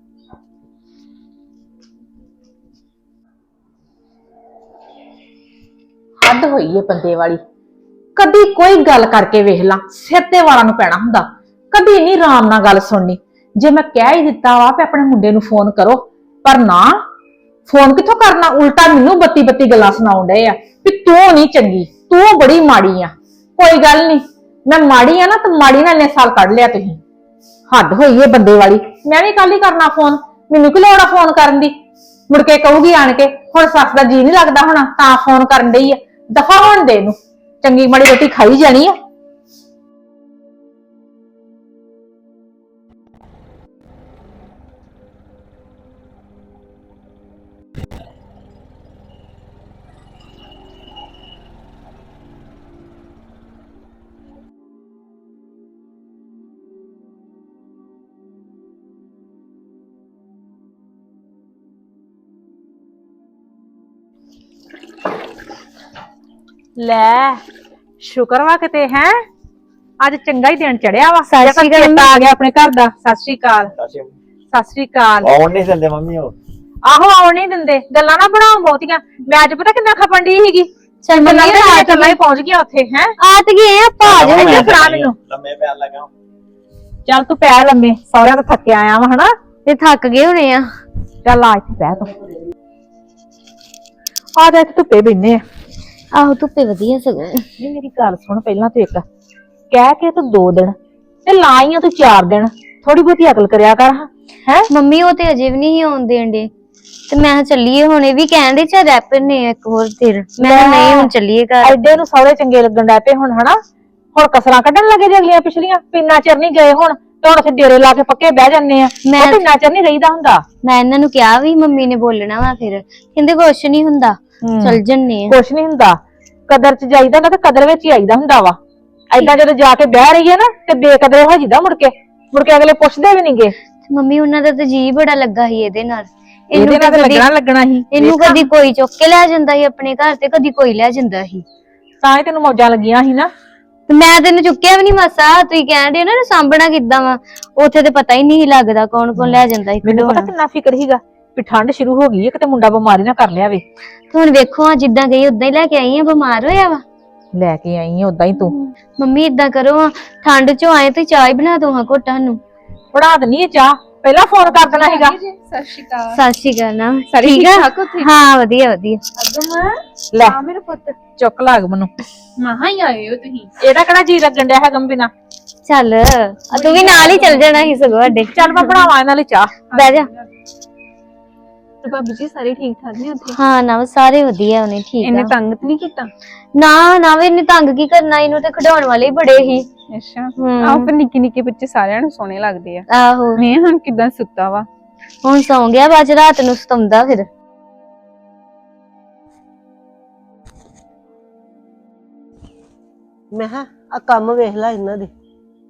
[SPEAKER 5] ਹੱਦ ਹੋਈ ਏ ਬੰਦੇ ਵਾਲੀ। ਕਦੀ ਕੋਈ ਗੱਲ ਕਰਕੇ ਵੇਖ ਲਾ, ਸਿਰ ਤੇ ਵਾਲਾਂ ਨੂੰ ਪੈਣਾ ਹੁੰਦਾ। ਕਦੀ ਨਹੀਂ ਆਰਾਮ ਨਾਲ ਗੱਲ ਸੁਣਨੀ। ਜੇ ਮੈਂ ਕਹਿ ਹੀ ਦਿੱਤਾ ਵਾ ਕਿ ਆਪਣੇ ਮੁੰਡੇ ਨੂੰ ਫੋਨ ਕਰੋ, ਪਰ ਨਾ ਫੋਨ ਕਿੱਥੋਂ ਕਰਨਾ, ਉਲਟਾ ਮੈਨੂੰ ਬੱਤੀ ਬੱਤੀ ਗੱਲਾਂ ਸੁਣਾਉਣ ਡਏ ਆ ਵੀ ਤੂੰ ਨਹੀਂ ਚੰਗੀ, ਤੂੰ ਬੜੀ ਮਾੜੀ ਆ। ਕੋਈ ਗੱਲ ਨਹੀਂ, ਮੈਂ ਮਾੜੀ ਆ ਨਾ ਤਾਂ ਮਾੜੀ ਨਾਲ ਇੰਨੇ ਸਾਲ ਕੱਢ ਲਿਆ ਤੁਸੀਂ। ਹੱਦ ਹੋਈ ਏ ਬੰਦੇ ਵਾਲੀ। ਮੈਂ ਵੀ ਕੱਲ ਹੀ ਕਰਨਾ ਫੋਨ, ਮੈਨੂੰ ਕੀ ਲੋੜ ਆ ਫੋਨ ਕਰਨ ਦੀ। ਮੁੜ ਕੇ ਕਹੂਗੀ ਆਣ ਕੇ ਹੁਣ ਸੱਸ ਦਾ ਜੀ ਨਹੀਂ ਲੱਗਦਾ ਹੋਣਾ ਤਾਂ ਫੋਨ ਕਰਨ ਡਈ ਆ। ਦਫਾ ਹੋਣ ਦੇ ਇਹਨੂੰ, ਚੰਗੀ ਮਾੜੀ ਰੋਟੀ ਖਾਈ ਜਾਣੀ ਆ। ਲੈ ਸ਼ੁਕਰ ਵਾ ਕਿਤੇ ਹੈ ਅੱਜ ਚੰਗਾ ਹੀ ਦਿਨ ਚੜਿਆ ਵਾ।
[SPEAKER 2] ਸਤਿ ਸ਼੍ਰੀ ਅਕਾਲ।
[SPEAKER 5] ਚੇਤਾ ਆ ਗਿਆ ਆਪਣੇ ਘਰ ਦਾ। ਸਤਿ ਸ਼੍ਰੀ ਅਕਾਲ। ਸਤਿ ਸ਼੍ਰੀ ਅਕਾਲ।
[SPEAKER 7] ਆਉਣ ਨਹੀਂ ਦਿੰਦੇ ਮੰਮੀ ਉਹ।
[SPEAKER 5] ਆਹੋ ਆਉਣ ਨਹੀਂ ਦਿੰਦੇ, ਗੱਲਾਂ ਨਾ ਬਣਾਓ ਬਹੁਤੀਆਂ। ਮੈਂ ਅੱਜ ਪਤਾ ਕਿੰਨਾ ਖਪਣ ਡਈ ਸੀਗੀ।
[SPEAKER 2] ਚੱਲ
[SPEAKER 5] ਗੱਲਾਂ
[SPEAKER 2] ਮੰਮੀ
[SPEAKER 5] ਤੇ
[SPEAKER 2] ਆ
[SPEAKER 5] ਗੱਲਾਂ ਹੀ ਪਹੁੰਚ ਗਿਆ ਉੱਥੇ ਹੈ।
[SPEAKER 2] ਆ ਤੇ ਗਏ ਆਪਾਂ ਆ ਜਾਓ।
[SPEAKER 5] ਇੱਧਰ ਫੜਾ ਮੈਨੂੰ।
[SPEAKER 7] ਲੰਮੇ ਪੈਣ ਲੱਗਾ।
[SPEAKER 5] ਚੱਲ ਤੂੰ ਪੈ ਲੰਮੇ, ਸਹੁਰਿਆਂ ਤੋਂ ਥੱਕੇ ਆਇਆ ਵਾ ਹਨਾ।
[SPEAKER 2] ਤੇ ਥੱਕ ਗਏ ਹੋਣੇ ਆ।
[SPEAKER 5] ਚੱਲ ਆ ਇੱਥੇ ਬਹਿ ਤੂੰ। ਆ ਜਾ ਇੱਥੇ ਧੁੱਪੇ ਬੈਠੇ ਆ।
[SPEAKER 2] ਆਹੋ ਧੁੱਪੇ ਵਧੀਆ ਸਗੋਂ।
[SPEAKER 5] ਨਹੀਂ ਮੇਰੀ ਗੱਲ ਸੁਣ, ਪਹਿਲਾਂ ਤੂੰ ਇੱਕ ਕਹਿ ਕੇ ਤੂੰ ਦੋ ਦਿਨ ਤੇ ਲਾਈਆਂ ਤੂੰ ਚਾਰ ਦਿਨ। ਥੋੜੀ ਬਹੁਤੀ ਅਕਲ ਕਰਿਆ ਕਰ ਹੈ।
[SPEAKER 2] ਮੰਮੀ ਉਹ ਤੇ ਅਜੇ ਵੀ ਨਹੀਂ ਆਉਣ ਦੇਣ ਡੇ ਤੇ ਮੈਂ ਕਿਹਾ ਚੱਲੀਏ। ਹੁਣ ਇਹ ਵੀ ਕਹਿੰਦੇ ਚਾ ਰੈਪਰ ਨੇ ਇੱਕ ਹੋਰ ਦਿਨ। ਮੈਂ ਕਿਹਾ ਨਹੀਂ ਹੁਣ ਚੱਲੀਏ ਘਰ।
[SPEAKER 5] ਐਡੇ ਨੂੰ ਸਹੁਰੇ ਚੰਗੇ ਲੱਗਣ ਲੱਗ ਪਏ ਹੁਣ ਹਨਾ। ਹੁਣ ਕਸਰਾਂ ਕੱਢਣ ਲੱਗੇ ਜੇ ਅਗਲੀਆਂ ਪਿਛਲੀਆਂ। ਪਿੰਨਾ ਚਿਰ ਨਹੀਂ ਗਏ ਹੁਣ ਤੇ ਹੁਣ ਅਸੀਂ ਡੇਰੇ ਲਾ ਕੇ ਪੱਕੇ ਬਹਿ ਜਾਂਦੇ ਆ।
[SPEAKER 2] ਮੈਂ
[SPEAKER 5] ਉਹ ਪਿੰਨਾ ਚਿਰ ਨਹੀਂ ਰਹੀਦਾ ਹੁੰਦਾ।
[SPEAKER 2] ਮੈਂ ਇਹਨਾਂ ਨੂੰ ਕਿਹਾ ਵੀ ਮੰਮੀ ਨੇ ਬੋਲਣਾ ਵਾ, ਫਿਰ ਕਹਿੰਦੇ ਕੁਛ ਨਹੀਂ ਹੁੰਦਾ ਚੱਲ ਜੰਨੇ ਆ।
[SPEAKER 5] ਕੁਛ ਨਹੀਂ ਹੁੰਦਾ, ਕਦਰ ਚ ਜਾਈਦਾ ਨਾ ਤੇ ਕਦਰ ਵਿੱਚ ਹੀ ਆਈਦਾ ਹੁੰਦਾ ਵਾ। ਏਦਾਂ ਜਦੋਂ ਜਾ ਕੇ ਬਹਿ ਰਹੀ ਹੈ ਨਾ ਤੇ ਬੇਕਦਰੇ ਹੋ ਜਿੱਦਾ। ਮੁੜ ਕੇ ਮੁੜ ਕੇ ਅਗਲੇ ਪੁੱਛਦੇ ਵੀ ਨਹੀਂਗੇ।
[SPEAKER 2] ਮੰਮੀ ਉਹਨਾਂ ਦਾ ਤਾਂ ਜੀ ਬੜਾ ਲੱਗਾ ਸੀ ਇਹਦੇ ਨਾਲ।
[SPEAKER 5] ਇਹਦੇ ਨਾਲ ਤਾਂ
[SPEAKER 8] ਕਦੀ-
[SPEAKER 5] ਲੱਗਣਾ ਲੱਗਣਾ ਸੀ
[SPEAKER 8] ਇਹਨੂੰ
[SPEAKER 5] ਵੇਖਾਂ,
[SPEAKER 8] ਕਦੀ ਕੋਈ ਚੁੱਕ ਕੇ ਲੈ ਜਾਂਦਾ ਸੀ ਆਪਣੇ ਘਰ ਤੇ ਕਦੀ ਕੋਈ ਲੈ ਜਾਂਦਾ ਸੀ
[SPEAKER 5] ਤਾਂ ਹੀ ਤੈਨੂੰ ਮੌਜਾਂ ਲੱਗੀਆਂ ਸੀ ਨਾ।
[SPEAKER 8] ਤੇ ਮੈਂ ਤੈਨੂੰ ਚੁੱਕਿਆ ਵੀ ਨਹੀਂ ਮਾਸਾ। ਤੁਸੀਂ ਕਹਿੰਦੇ ਨਾ ਸਾਂਭਣਾ ਕਿੱਦਾਂ ਵਾ, ਉੱਥੇ ਤੇ ਪਤਾ ਹੀ ਨਹੀਂ ਲੱਗਦਾ ਕੌਣ ਕੌਣ ਲੈ ਜਾਂਦਾ ਸੀ
[SPEAKER 5] ਮੈਨੂੰ ਪਤਾ
[SPEAKER 8] ਖਿਡੌਣਾ।
[SPEAKER 5] ਕਿੰਨਾ ਫਿਕਰ ਸੀਗਾ ਵੀ ਠੰਡ ਸ਼ੁਰੂ ਹੋ ਗਈ ਹੈ, ਕਿਤੇ ਮੁੰਡਾ ਬਿਮਾਰੀ ਨਾ ਕਰ ਲਿਆ ਵੇ।
[SPEAKER 8] ਤੇ ਹੁਣ ਵੇਖੋ ਆ ਜਿੱਦਾਂ ਗਈ ਉਦਾਂ ਹੀ ਲੈ ਕੇ ਆਈ ਆ, ਬਿਮਾਰ ਹੋਇਆ ਵਾ।
[SPEAKER 5] ਲੈ ਕੇ ਆਈ ਆ ਉਦਾਂ ਹੀ ਤੂੰ।
[SPEAKER 8] ਮੰਮੀ ਇਦਾਂ ਕਰੋ ਆ, ਠੰਡ ਚੋਂ ਆਏ ਤੇ ਚਾਹ ਹੀ ਬਣਾ ਦੋ ਹਾਂ ਘੋਟਾਂ ਨੂੰ।
[SPEAKER 5] ਪੜਾ ਦਨੀ ਇਹ ਚਾਹ, ਪਹਿਲਾਂ ਫੋਨ ਕਰ ਦੇਣਾ ਸੀਗਾ।
[SPEAKER 2] ਸਤਿ ਸ਼੍ਰੀ ਅਕਾਲ।
[SPEAKER 8] ਸਤਿ ਸ਼੍ਰੀ ਅਕਾਲ ਨਾ।
[SPEAKER 2] ਸਾਰੇ
[SPEAKER 8] ਠੀਕ
[SPEAKER 2] ਠੀਕ
[SPEAKER 8] ਆ?
[SPEAKER 2] ਠਾਕ ਉੱਥੇ?
[SPEAKER 8] ਹਾਂ ਵਧੀਆ ਵਧੀਆ।
[SPEAKER 2] ਅਗਮ
[SPEAKER 5] ਲੈ
[SPEAKER 2] ਆ ਮੇਰਾ ਪੁੱਤ,
[SPEAKER 5] ਚੁੱਕ ਲਾਗ ਮੈਨੂੰ,
[SPEAKER 2] ਮਹਾ ਹੀ ਆਏ ਹੋ ਤੁਸੀਂ।
[SPEAKER 5] ਇਹਦਾ ਕਿਹੜਾ ਜੀ ਲੱਗਣ ਡਿਆ ਹੈਗਾ ਬਿਨਾ।
[SPEAKER 8] ਚੱਲ ਆ ਤੂੰ ਵੀ ਨਾਲ ਹੀ ਚੱਲ ਜਾਣਾ ਸੀ ਸਗੋਂ ਸਾਡੇ।
[SPEAKER 5] ਚੱਲ ਮੈਂ ਬਣਾਵਾਂ ਇਹਨਾਂ ਲਈ ਚਾਹ।
[SPEAKER 8] ਬਹਿ ਜਾ।
[SPEAKER 2] ਤੇ ਭਾਬੀ ਜੀ ਸਾਰੇ ਠੀਕ ਠਾਕ ਨੇ ਉੱਥੇ?
[SPEAKER 8] ਹਾਂ ਨਾ ਸਾਰੇ ਵਧੀਆ ਉਹਨੇ ਠੀਕ
[SPEAKER 2] ਇਹਨੇ
[SPEAKER 8] ਆ।
[SPEAKER 2] ਤੰਗ ਤੇ ਨਹੀਂ ਕੀਤਾ?
[SPEAKER 8] ਨਾ ਨਾ ਵੇ ਇਹਨੇ ਤੰਗ ਕੀ ਕਰਨਾ, ਇਹਨੂੰ ਤੇ ਖਿਡਾਉਣ ਵਾਲੇ ਹੀ ਬੜੇ ਸੀ।
[SPEAKER 2] ਅੱਛਾ
[SPEAKER 8] ਹੂੰ।
[SPEAKER 2] ਆਹ ਫਿਰ ਨਿੱਕੇ ਨਿੱਕੇ ਬੱਚੇ ਸਾਰਿਆਂ ਨੂੰ ਸੋਹਣੇ ਲੱਗਦੇ ਆ।
[SPEAKER 8] ਆਹੋ
[SPEAKER 2] ਮੈਂ ਹੁਣ ਕਿਦਾਂ ਸੁੱਤਾ ਵਾ।
[SPEAKER 8] ਹੁਣ ਸੌਂ ਗਿਆ, ਬਾਅਦ ਚ ਰਾਤ ਨੂੰ ਸਤਾਉਂਦਾ ਫਿਰ।
[SPEAKER 3] ਮੈਂ ਕਿਹਾ ਆ ਕੰਮ ਵੇਖ ਲੈ ਇਹਨਾਂ ਦੇ,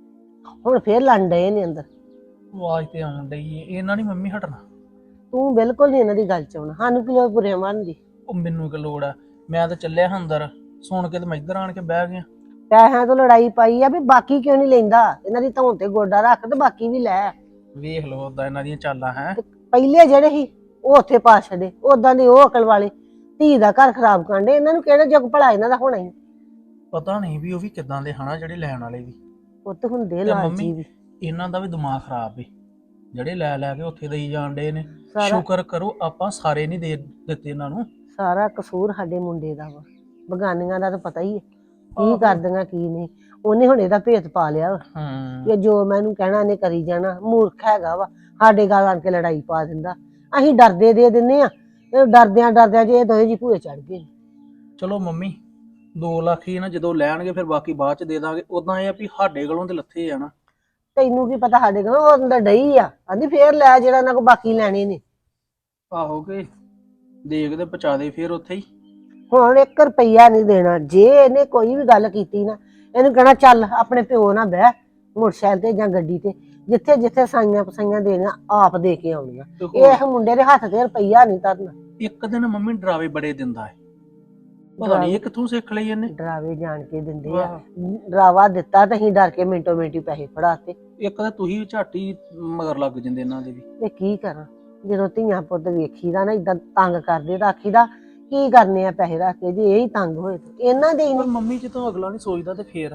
[SPEAKER 3] ਹੁਣ ਫੇਰ ਲੰਡ ਡਏ ਨੇ ਅੰਦਰ।
[SPEAKER 1] ਆਵਾਜ਼ ਤੇ ਆਉਣ ਡਈ ਏ, ਇਹਨਾਂ ਨਹੀਂ ਮੰਮੀ ਹਟਣਾ।
[SPEAKER 3] ਤੂੰ ਬਿਲਕੁਲ ਨਹੀਂ ਇਹਨਾਂ ਦੀ ਗੱਲ ਚ ਆਉਣਾ, ਸਾਨੂੰ ਕੀ ਲੋੜ ਬੁਰੇ ਮਨ ਦੀ।
[SPEAKER 1] ਉਹ ਮੈਨੂੰ ਕੀ ਲੋੜ ਆ, ਮੈਂ ਤਾਂ ਚੱਲਿਆ ਹਾਂ ਅੰਦਰ, ਸੁਣ ਕੇ ਤੇ ਮੈਂ ਇੱਧਰ ਆਣ ਕੇ ਬਹਿ ਗਿਆ।
[SPEAKER 3] ਪੈਸਿਆਂ ਤੋਂ ਲੜਾਈ ਪਾਈ ਆ ਵੀ ਬਾਕੀ ਕਿਉਂ ਨਹੀਂ ਲੈਂਦਾ, ਇਹਨਾਂ ਦੀ ਧੌਣ ਤੇ ਗੋਡਾ ਰੱਖ ਤੇ ਬਾਕੀ ਵੀ ਲੈ।
[SPEAKER 1] ਵੇਖ ਲਓ ਓਦਾਂ ਇਹਨਾਂ ਦੀਆਂ ਚਾਲਾਂ ਹੈ।
[SPEAKER 3] ਪਹਿਲੇ ਜਿਹੜੇ ਸੀ ਉਹ ਉੱਥੇ ਪਾ ਛੱਡੇ, ਉਦਾਂ ਦੇ ਉਹ ਅਕਲ ਵਾਲੇ ਧੀ ਦਾ ਘਰ ਖਰਾਬ ਕਰਦੇ। ਇਹਨਾਂ ਨੂੰ ਕਿਹੜਾ ਜਗ ਭਲਾ ਇਹਨਾਂ ਦਾ ਹੋਣਾ ਹੀ।
[SPEAKER 1] ਪਤਾ ਨਹੀਂ ਵੀ ਉਹ ਵੀ ਕਿੱਦਾਂ ਦੇ ਹਨਾ ਜਿਹੜੇ ਲੈਣ ਵਾਲੇ ਵੀ।
[SPEAKER 3] ਪੁੱਤ ਹੁੰਦੇ
[SPEAKER 1] ਤੇ
[SPEAKER 3] ਲਾਲਚੀ
[SPEAKER 1] ਮੰਮੀ
[SPEAKER 3] ਵੀ।
[SPEAKER 1] ਇਹਨਾਂ ਦਾ ਵੀ ਦਿਮਾਗ ਖਰਾਬ ਏ, ਜਿਹੜੇ ਲੈ ਲੈ ਕੇ ਉੱਥੇ ਦੇਈ ਜਾਣ ਡੇ ਨੇ।
[SPEAKER 3] ਸਾਰਾ
[SPEAKER 1] ਸ਼ੁਕਰ ਕਰੋ ਆਪਾਂ ਸਾਰੇ ਨਹੀਂ ਦੇ ਦਿੱਤੇ ਇਹਨਾਂ ਨੂੰ।
[SPEAKER 3] ਸਾਰਾ ਕਸੂਰ ਸਾਡੇ ਮੁੰਡੇ ਦਾ ਵਾ, ਬਗਾਨੀਆਂ ਦਾ ਤਾਂ ਪਤਾ ਹੀ ਹੈ ਕੀ ਕਰਦੀਆਂ ਕੀ ਨਹੀਂ। ਉਹਨੇ ਹੁਣ ਇਹਦਾ ਭੇਤ ਪਾ ਲਿਆ ਵਾ
[SPEAKER 1] ਹੂੰ
[SPEAKER 3] ਕਿ ਜੋ ਮੈਨੂੰ ਕਹਿਣਾ ਇਹਨੇ ਕਰੀ ਜਾਣਾ। ਮੂਰਖ ਹੈਗਾ ਵਾ, ਸਾਡੇ ਗੱਲ ਆਣ ਕੇ ਲੜਾਈ ਪਾ ਦਿੰਦਾ। ਅਸੀਂ ਡਰਦੇ ਦੇ ਦਿੰਨੇ ਆ, ਇਹ ਡਰਦਿਆਂ ਡਰਦਿਆਂ ਜੇ ਇਹ ਦੋਵੇਂ ਜੀ ਭੂਏ ਚੜ ਗਏ।
[SPEAKER 1] ਚਲੋ ਮੰਮੀ ਦੋ ਲੱਖ ਹੀ ਨਾ ਜਦੋਂ ਲੈਣਗੇ ਫਿਰ ਬਾਕੀ ਬਾਅਦ ਚ ਦੇ ਦਾਂਗੇ। ਉਦਾਂ ਇਹ ਆ ਵੀ ਸਾਡੇ ਕੋਲੋਂ ਤੇ ਲੱਥੇ ਆ ਨਾ।
[SPEAKER 3] ਤੈਨੂੰ ਕੀ ਪਤਾ ਸਾਡੇ ਕੋਲ, ਉਹ ਅੰਦਰ ਡਈ ਆ ਆਂਦੀ ਫੇਰ ਲੈ ਜਿਹੜਾ ਉਹਨਾਂ ਕੋ ਬਾਕੀ ਲੈਣੇ ਨੇ।
[SPEAKER 1] ਆਹੋ ਕੇ ਦੇਖ ਤੇ ਪਹੁੰਚਾ ਦੇ ਫਿਰ ਉੱਥੇ ਹੀ।
[SPEAKER 3] ਹੁਣ ਇੱਕ ਰੁਪਈਆ ਨਹੀਂ ਦੇਣਾ। ਜੇ ਇਹਨੇ ਕੋਈ ਵੀ ਗੱਲ ਕੀਤੀ ਨਾ, ਇਹਨੂੰ ਕਹਿਣਾ ਚੱਲ ਆਪਣੇ ਪਿਓ ਨਾਲ ਬਹਿ ਮੋਟਰਸਾਈਕਲ ਤੇ ਜਾਂ ਗੱਡੀ ਤੇ, ਜਿੱਥੇ ਜਿੱਥੇ ਸਾਈਆਂ ਪਸਾਈਆਂ ਦੇਣੀਆਂ ਆਪ ਦੇ ਕੇ ਆਉਣੀਆਂ।
[SPEAKER 1] ਤੇ ਹੋਰ
[SPEAKER 3] ਇਹ ਮੁੰਡੇ ਦੇ ਹੱਥ ਤੇ ਰੁਪਈਆ ਨਹੀਂ ਧਰਨਾ।
[SPEAKER 1] ਇੱਕ ਦਿਨ ਮੰਮੀ ਡਰਾਵੇ ਬੜੇ ਦਿੰਦਾ ਹੈ, ਪਤਾ ਨਹੀਂ ਇਹ ਕਿੱਥੋਂ ਸਿੱਖ ਲਈ ਇਹਨੇ।
[SPEAKER 3] ਡਰਾਵੇ ਜਾਣ ਕੇ ਦਿੰਦੇ ਆ।
[SPEAKER 1] ਵਾਹ।
[SPEAKER 3] ਡਰਾਵਾ ਦਿੱਤਾ ਤਾਂ ਅਸੀਂ ਡਰ ਕੇ ਮਿੰਟੋ ਮਿੰਟੀ ਪੈਸੇ ਫੜਾਤੇ।
[SPEAKER 1] ਇੱਕ ਤਾਂ ਤੁਸੀਂ ਝਾਟੀ ਮਗਰ ਲੱਗ ਜਾਂਦੇ ਇਹਨਾਂ ਦੇ ਵੀ।
[SPEAKER 3] ਤੇ ਕੀ ਕਰਾਂ, ਜਦੋਂ ਧੀਆਂ ਪੁੱਤ ਵੇਖੀਦਾ ਨਾ ਇਦਾਂ ਤੰਗ ਕਰਦੇ ਤਾਂ ਆਖੀਦਾ ਕੀ ਕਰਨੇ ਆ ਪੈਸੇ ਰੱਖ ਕੇ, ਜੇ ਇਹ ਹੀ ਤੰਗ ਹੋਏ ਤੇ ਇਹਨਾਂ ਦੇ ਹੀ
[SPEAKER 1] ਪਰ
[SPEAKER 3] ਨੀ।
[SPEAKER 1] ਮੰਮੀ ਜਦੋਂ ਅਗਲਾ ਨਹੀਂ ਸੋਚਦਾ ਤੇ ਫੇਰ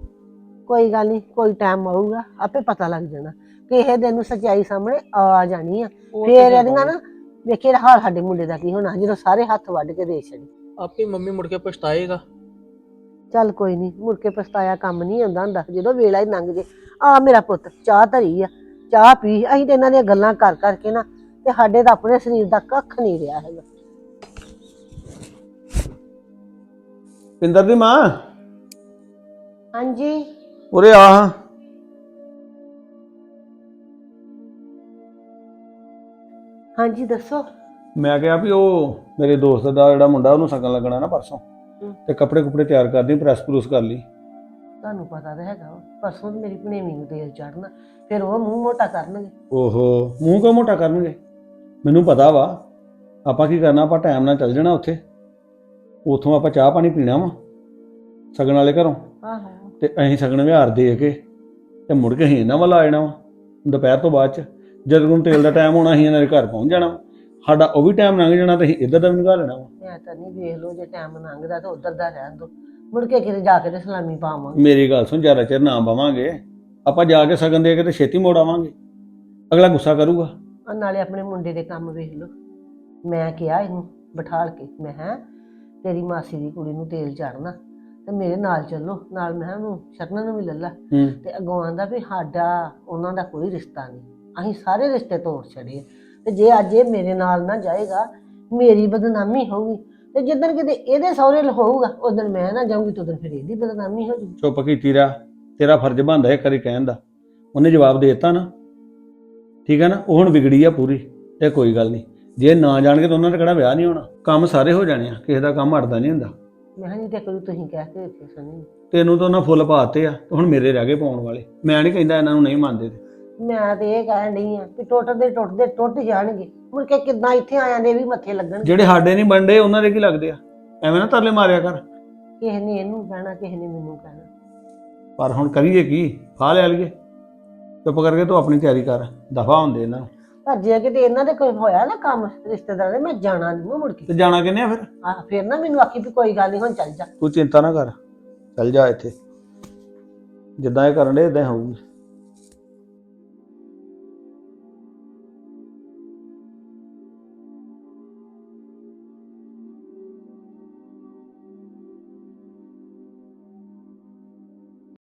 [SPEAKER 3] ਕੋਈ ਗੱਲ ਨਹੀਂ, ਕੋਈ ਟਾਈਮ ਆਊਗਾ ਆਪੇ ਪਤਾ ਲੱਗ ਜਾਣਾ। ਕਿਸੇ ਦਿਨ ਨੂੰ ਸੱਚਾਈ ਸਾਹਮਣੇ ਆ ਜਾਣੀ ਆ।
[SPEAKER 1] ਉਹ ਤੇ
[SPEAKER 3] ਫੇਰ
[SPEAKER 1] ਗੱਲ
[SPEAKER 3] ਇਹਦੀਆਂ ਨਾ ਵੇਖੇ ਹਾਲ ਸਾਡੇ ਮੁੰਡੇ ਦਾ ਕੀ ਹੋਣਾ ਜਦੋਂ ਸਾਰੇ ਹੱਥ ਵੱਢ ਕੇ ਦੇ ਛੱਡੇ।
[SPEAKER 1] ਆਪੇ ਮੰਮੀ ਮੁੜ ਕੇ ਪਛਤਾਏਗਾ।
[SPEAKER 3] ਚੱਲ ਕੋਈ ਨਹੀਂ, ਮੁੜ ਕੇ ਪਛਤਾਇਆ ਕੰਮ ਨਹੀਂ ਆਉਂਦਾ ਹੁੰਦਾ ਜਦੋਂ ਵੇਲਾ ਹੀ ਲੰਘ ਜੇ। ਆ ਮੇਰਾ ਪੁੱਤ ਚਾਹ ਧਰੀ ਆ, ਚਾਹ ਪੀ। ਅਸੀਂ ਤੇ ਇਹਨਾਂ ਦੀਆਂ ਗੱਲਾਂ ਕਰ ਕਰਕੇ ਨਾ ਤੇ ਸਾਡੇ ਤਾਂ ਆਪਣੇ ਸਰੀਰ ਦਾ ਕੱਖ ਨਹੀਂ ਰਿਹਾ ਹੈਗਾ।
[SPEAKER 4] ਪਿੰਦਰ ਦੀ ਮਾਂ
[SPEAKER 3] ਹਾਂਜੀ
[SPEAKER 4] ਉਰੇ ਆ।
[SPEAKER 3] ਹਾਂਜੀ ਦੱਸੋ।
[SPEAKER 4] ਮੈਂ ਕਿਹਾ ਵੀ ਉਹ ਮੇਰੇ ਦੋਸਤ ਦਾ ਜਿਹੜਾ ਮੁੰਡਾ ਉਹਨੂੰ ਸ਼ਗਨ ਲੱਗਣਾ ਨਾ ਪਰਸੋਂ,
[SPEAKER 3] ਹਮ।
[SPEAKER 4] ਤੇ ਕੱਪੜੇ ਕੁਪੜੇ ਤਿਆਰ ਕਰਦੀ, ਪ੍ਰੈਸ ਪ੍ਰੂਸ ਕਰ ਲਈ।
[SPEAKER 3] ਤੁਹਾਨੂੰ ਪਤਾ ਤਾਂ ਹੈਗਾ ਵਾ, ਪਰਸੋਂ ਤੇ ਮੇਰੀ ਭਣੇਵੀਂ ਨੂੰ ਤੇਲ ਚੜਨਾ, ਫਿਰ ਉਹ ਮੂੰਹ ਮੋਟਾ ਕਰਨਗੇ।
[SPEAKER 4] ਓਹੋ ਮੂੰਹ ਕਿਉਂ ਮੋਟਾ ਕਰਨਗੇ? ਮੈਨੂੰ ਪਤਾ ਵਾ ਆਪਾਂ ਕੀ ਕਰਨਾ। ਆਪਾਂ ਟਾਈਮ ਨਾਲ ਚੱਲ ਜਾਣਾ ਉੱਥੇ, ਉਥੋਂ ਆਪਾਂ ਚਾਹ ਪਾਣੀ ਪੀਣਾ ਵਾ ਸ਼ਗਨ ਵਾਲੇ ਘਰੋਂ,
[SPEAKER 3] ਆਹੋ
[SPEAKER 4] ਤੇ ਅਸੀਂ ਸ਼ਗਨ ਵਿਹਾਰ ਦੇ ਕੇ ਤੇ ਮੁੜ ਕੇ ਅਸੀਂ ਇਹਨਾਂ ਵੱਲ ਆ ਜਾਣਾ ਵਾ ਦੁਪਹਿਰ ਤੋਂ ਬਾਅਦ ਚ। ਜਦੋਂ ਨੂੰ ਤੇਲ ਦਾ ਟਾਈਮ ਹੋਣਾ ਅਸੀਂ ਇਹਨਾਂ ਦੇ ਘਰ ਪਹੁੰਚ ਜਾਣਾ ਵਾ। ਸਾਡਾ ਉਹ ਵੀ ਟਾਈਮ ਲੰਘ ਜਾਣਾ ਤੇ ਅਸੀਂ ਇੱਧਰ ਦਾ ਵੀ ਨਿਕਾਲ ਲੈਣਾ ਵਾ।
[SPEAKER 3] ਮੈਂ ਤਾਂ ਨਹੀਂ, ਵੇਖ ਲਓ ਜੇ ਟਾਈਮ ਲੰਘਦਾ ਤਾਂ ਉਧਰ ਦਾ ਰਹਿਣ ਦੋ, ਮੁੜ ਕੇ ਕਿਤੇ ਜਾ ਕੇ ਤੇ ਸਲਾਮੀ ਪਾਵਾਂਗੇ।
[SPEAKER 4] ਮੇਰੀ ਗੱਲ ਸੁਣ, ਜ਼ਿਆਦਾ ਚਿਰ ਨਾ ਬਵਾਂਗੇ ਆਪਾਂ, ਜਾ ਕੇ ਸ਼ਗਨ ਦੇ ਕੇ ਤੇ ਛੇਤੀ ਮੋੜ ਆਵਾਂਗੇ। ਅਗਲਾ ਗੁੱਸਾ ਕਰੂਗਾ।
[SPEAKER 3] ਆ ਨਾਲੇ ਆਪਣੇ ਮੁੰਡੇ ਦੇ ਕੰਮ ਵੇਖ ਲਓ। ਮੈਂ ਕਿਹਾ ਇਹਨੂੰ ਬਿਠਾਲ ਕੇ, ਮੈਂ ਹੈ ਤੇਰੀ ਮਾਸੀ ਦੀ ਕੁੜੀ ਨੂੰ ਤੇਲ ਚੜਨਾ ਤੇ ਮੇਰੇ ਨਾਲ ਚੱਲੋ ਨਾਲ। ਮੈਂ ਉਹਨੂੰ ਸ਼ਰਨ ਨੂੰ ਵੀ ਲੱਲਾ
[SPEAKER 4] ਹੂੰ
[SPEAKER 3] ਤੇ ਅੱਗੋਂ ਆਂਦਾ ਵੀ ਸਾਡਾ ਉਹਨਾਂ ਦਾ ਕੋਈ ਰਿਸ਼ਤਾ ਨਹੀਂ, ਅਸੀਂ ਸਾਰੇ ਰਿਸ਼ਤੇ ਤੋੜ ਛੜੇ। ਤੇ ਜੇ ਅੱਜ ਇਹ ਮੇਰੇ ਨਾਲ ਨਾ ਜਾਏਗਾ ਮੇਰੀ ਬਦਨਾਮੀ ਹੋਊਗੀ, ਤੇ ਜਿੱਦਣ ਕਿਤੇ ਇਹਦੇ ਸਹੁਰੇ ਹੋਊਗਾ ਉਦੋਂ ਮੈਂ ਨਾ ਜਾਊਂਗੀ, ਤੇ ਉਦੋਂ ਫਿਰ ਇਹਦੀ ਬਦਨਾਮੀ ਹੋ ਜੂਗੀ।
[SPEAKER 4] ਚੁੱਪ ਕੀਤੀ ਰਿਹਾ, ਤੇਰਾ ਫਰਜ਼ ਬਣਦਾ ਇੱਕ ਵਾਰੀ ਕਹਿਣ ਦਾ। ਉਹਨੇ ਜਵਾਬ ਦੇ ਦਿੱਤਾ ਨਾ, ਠੀਕ ਹੈ ਨਾ। ਉਹ ਹੁਣ ਵਿਗੜੀ ਆ ਪੂਰੀ, ਤੇ ਕੋਈ ਗੱਲ ਨਹੀਂ, ਜੇ ਨਾ ਜਾਣਗੇ ਤਾਂ ਉਹਨਾਂ ਦਾ ਕਿਹੜਾ ਵਿਆਹ ਨਹੀਂ ਹੋਣਾ। ਕੰਮ ਸਾਰੇ ਹੋ ਜਾਣੇ ਆ, ਕਿਸੇ ਦਾ ਕੰਮ ਅੜਦਾ ਨਹੀਂ ਹੁੰਦਾ।
[SPEAKER 3] ਮੈਂ ਕਿਹਾ ਜੀ ਤੇ ਕਰੂ ਤੁਸੀਂ ਕਹਿ ਕੇ ਵੇਖਿਓ ਸੁਣੀ।
[SPEAKER 4] ਤੈਨੂੰ ਤਾਂ ਉਹਨਾਂ ਫੁੱਲ ਪਾਤੇ ਆ, ਤੇ ਹੁਣ ਮੇਰੇ ਰਹਿ ਗਏ ਪਾਉਣ ਵਾਲੇ। ਮੈਂ ਨਹੀਂ ਕਹਿੰਦਾ ਇਹਨਾਂ ਨੂੰ ਨਹੀਂ ਮੰਨਦੇ ਤੇ।
[SPEAKER 3] ਮੈਂ ਤੇ ਇਹ ਕਹਿਣ ਡਈ ਆ ਕਿ ਟੁੱਟਦੇ ਟੁੱਟਦੇ ਟੁੱਟ ਜਾਣਗੇ, ਮੁੜ ਕੇ ਕਿੱਦਾਂ ਇੱਥੇ ਆਇਆਂ ਦੇ ਵੀ ਮੱਥੇ ਲੱਗਣ।
[SPEAKER 4] ਜਿਹੜੇ ਸਾਡੇ ਨਹੀਂ ਬਣਦੇ ਉਹਨਾਂ ਦੇ ਕੀ ਲੱਗਦੇ ਆ? ਐਵੇਂ ਨਾ ਤਰਲੇ ਮਾਰਿਆ ਕਰ।
[SPEAKER 3] ਕਿਸੇ ਨੇ ਇਹਨੂੰ ਕਹਿਣਾ, ਕਿਸੇ ਨੇ ਮੈਨੂੰ ਕਹਿਣਾ।
[SPEAKER 4] ਪਰ ਹੁਣ ਕਰੀਏ ਕੀ? ਫਾਹ ਲੈ ਲਈਏ। ਚੁੱਪ ਕਰਕੇ ਤੂੰ ਆਪਣੀ ਤਿਆਰੀ ਕਰ, ਦਫਾ ਹੁੰਦੇ ਇਹਨਾਂ ਨੂੰ।
[SPEAKER 3] ਪਰ ਜੇ ਕਿਤੇ ਇਹਨਾਂ ਦੇ ਕੋਈ ਹੋਇਆ ਨਾ ਕੰਮ ਰਿਸ਼ਤੇਦਾਰਾਂ ਦੇ, ਮੈਂ ਜਾਣਾ ਨਹੀਂ ਮੁੜ ਕੇ।
[SPEAKER 4] ਤੇ ਜਾਣਾ ਕਿੰਨੇ ਆ ਫਿਰ?
[SPEAKER 3] ਆ ਫਿਰ ਨਾ ਮੈਨੂੰ ਆਖੀ ਵੀ ਕੋਈ ਗੱਲ ਨਹੀਂ, ਹੁਣ ਚੱਲ ਜਾ।
[SPEAKER 4] ਤੂੰ ਚਿੰਤਾ ਨਾ ਕਰ, ਚੱਲ ਜਾ ਇੱਥੇ। ਜਿੱਦਾਂ ਇਹ ਕਰਨ ਦੇ ਇਦਾਂ ਹੋਊਗੀ।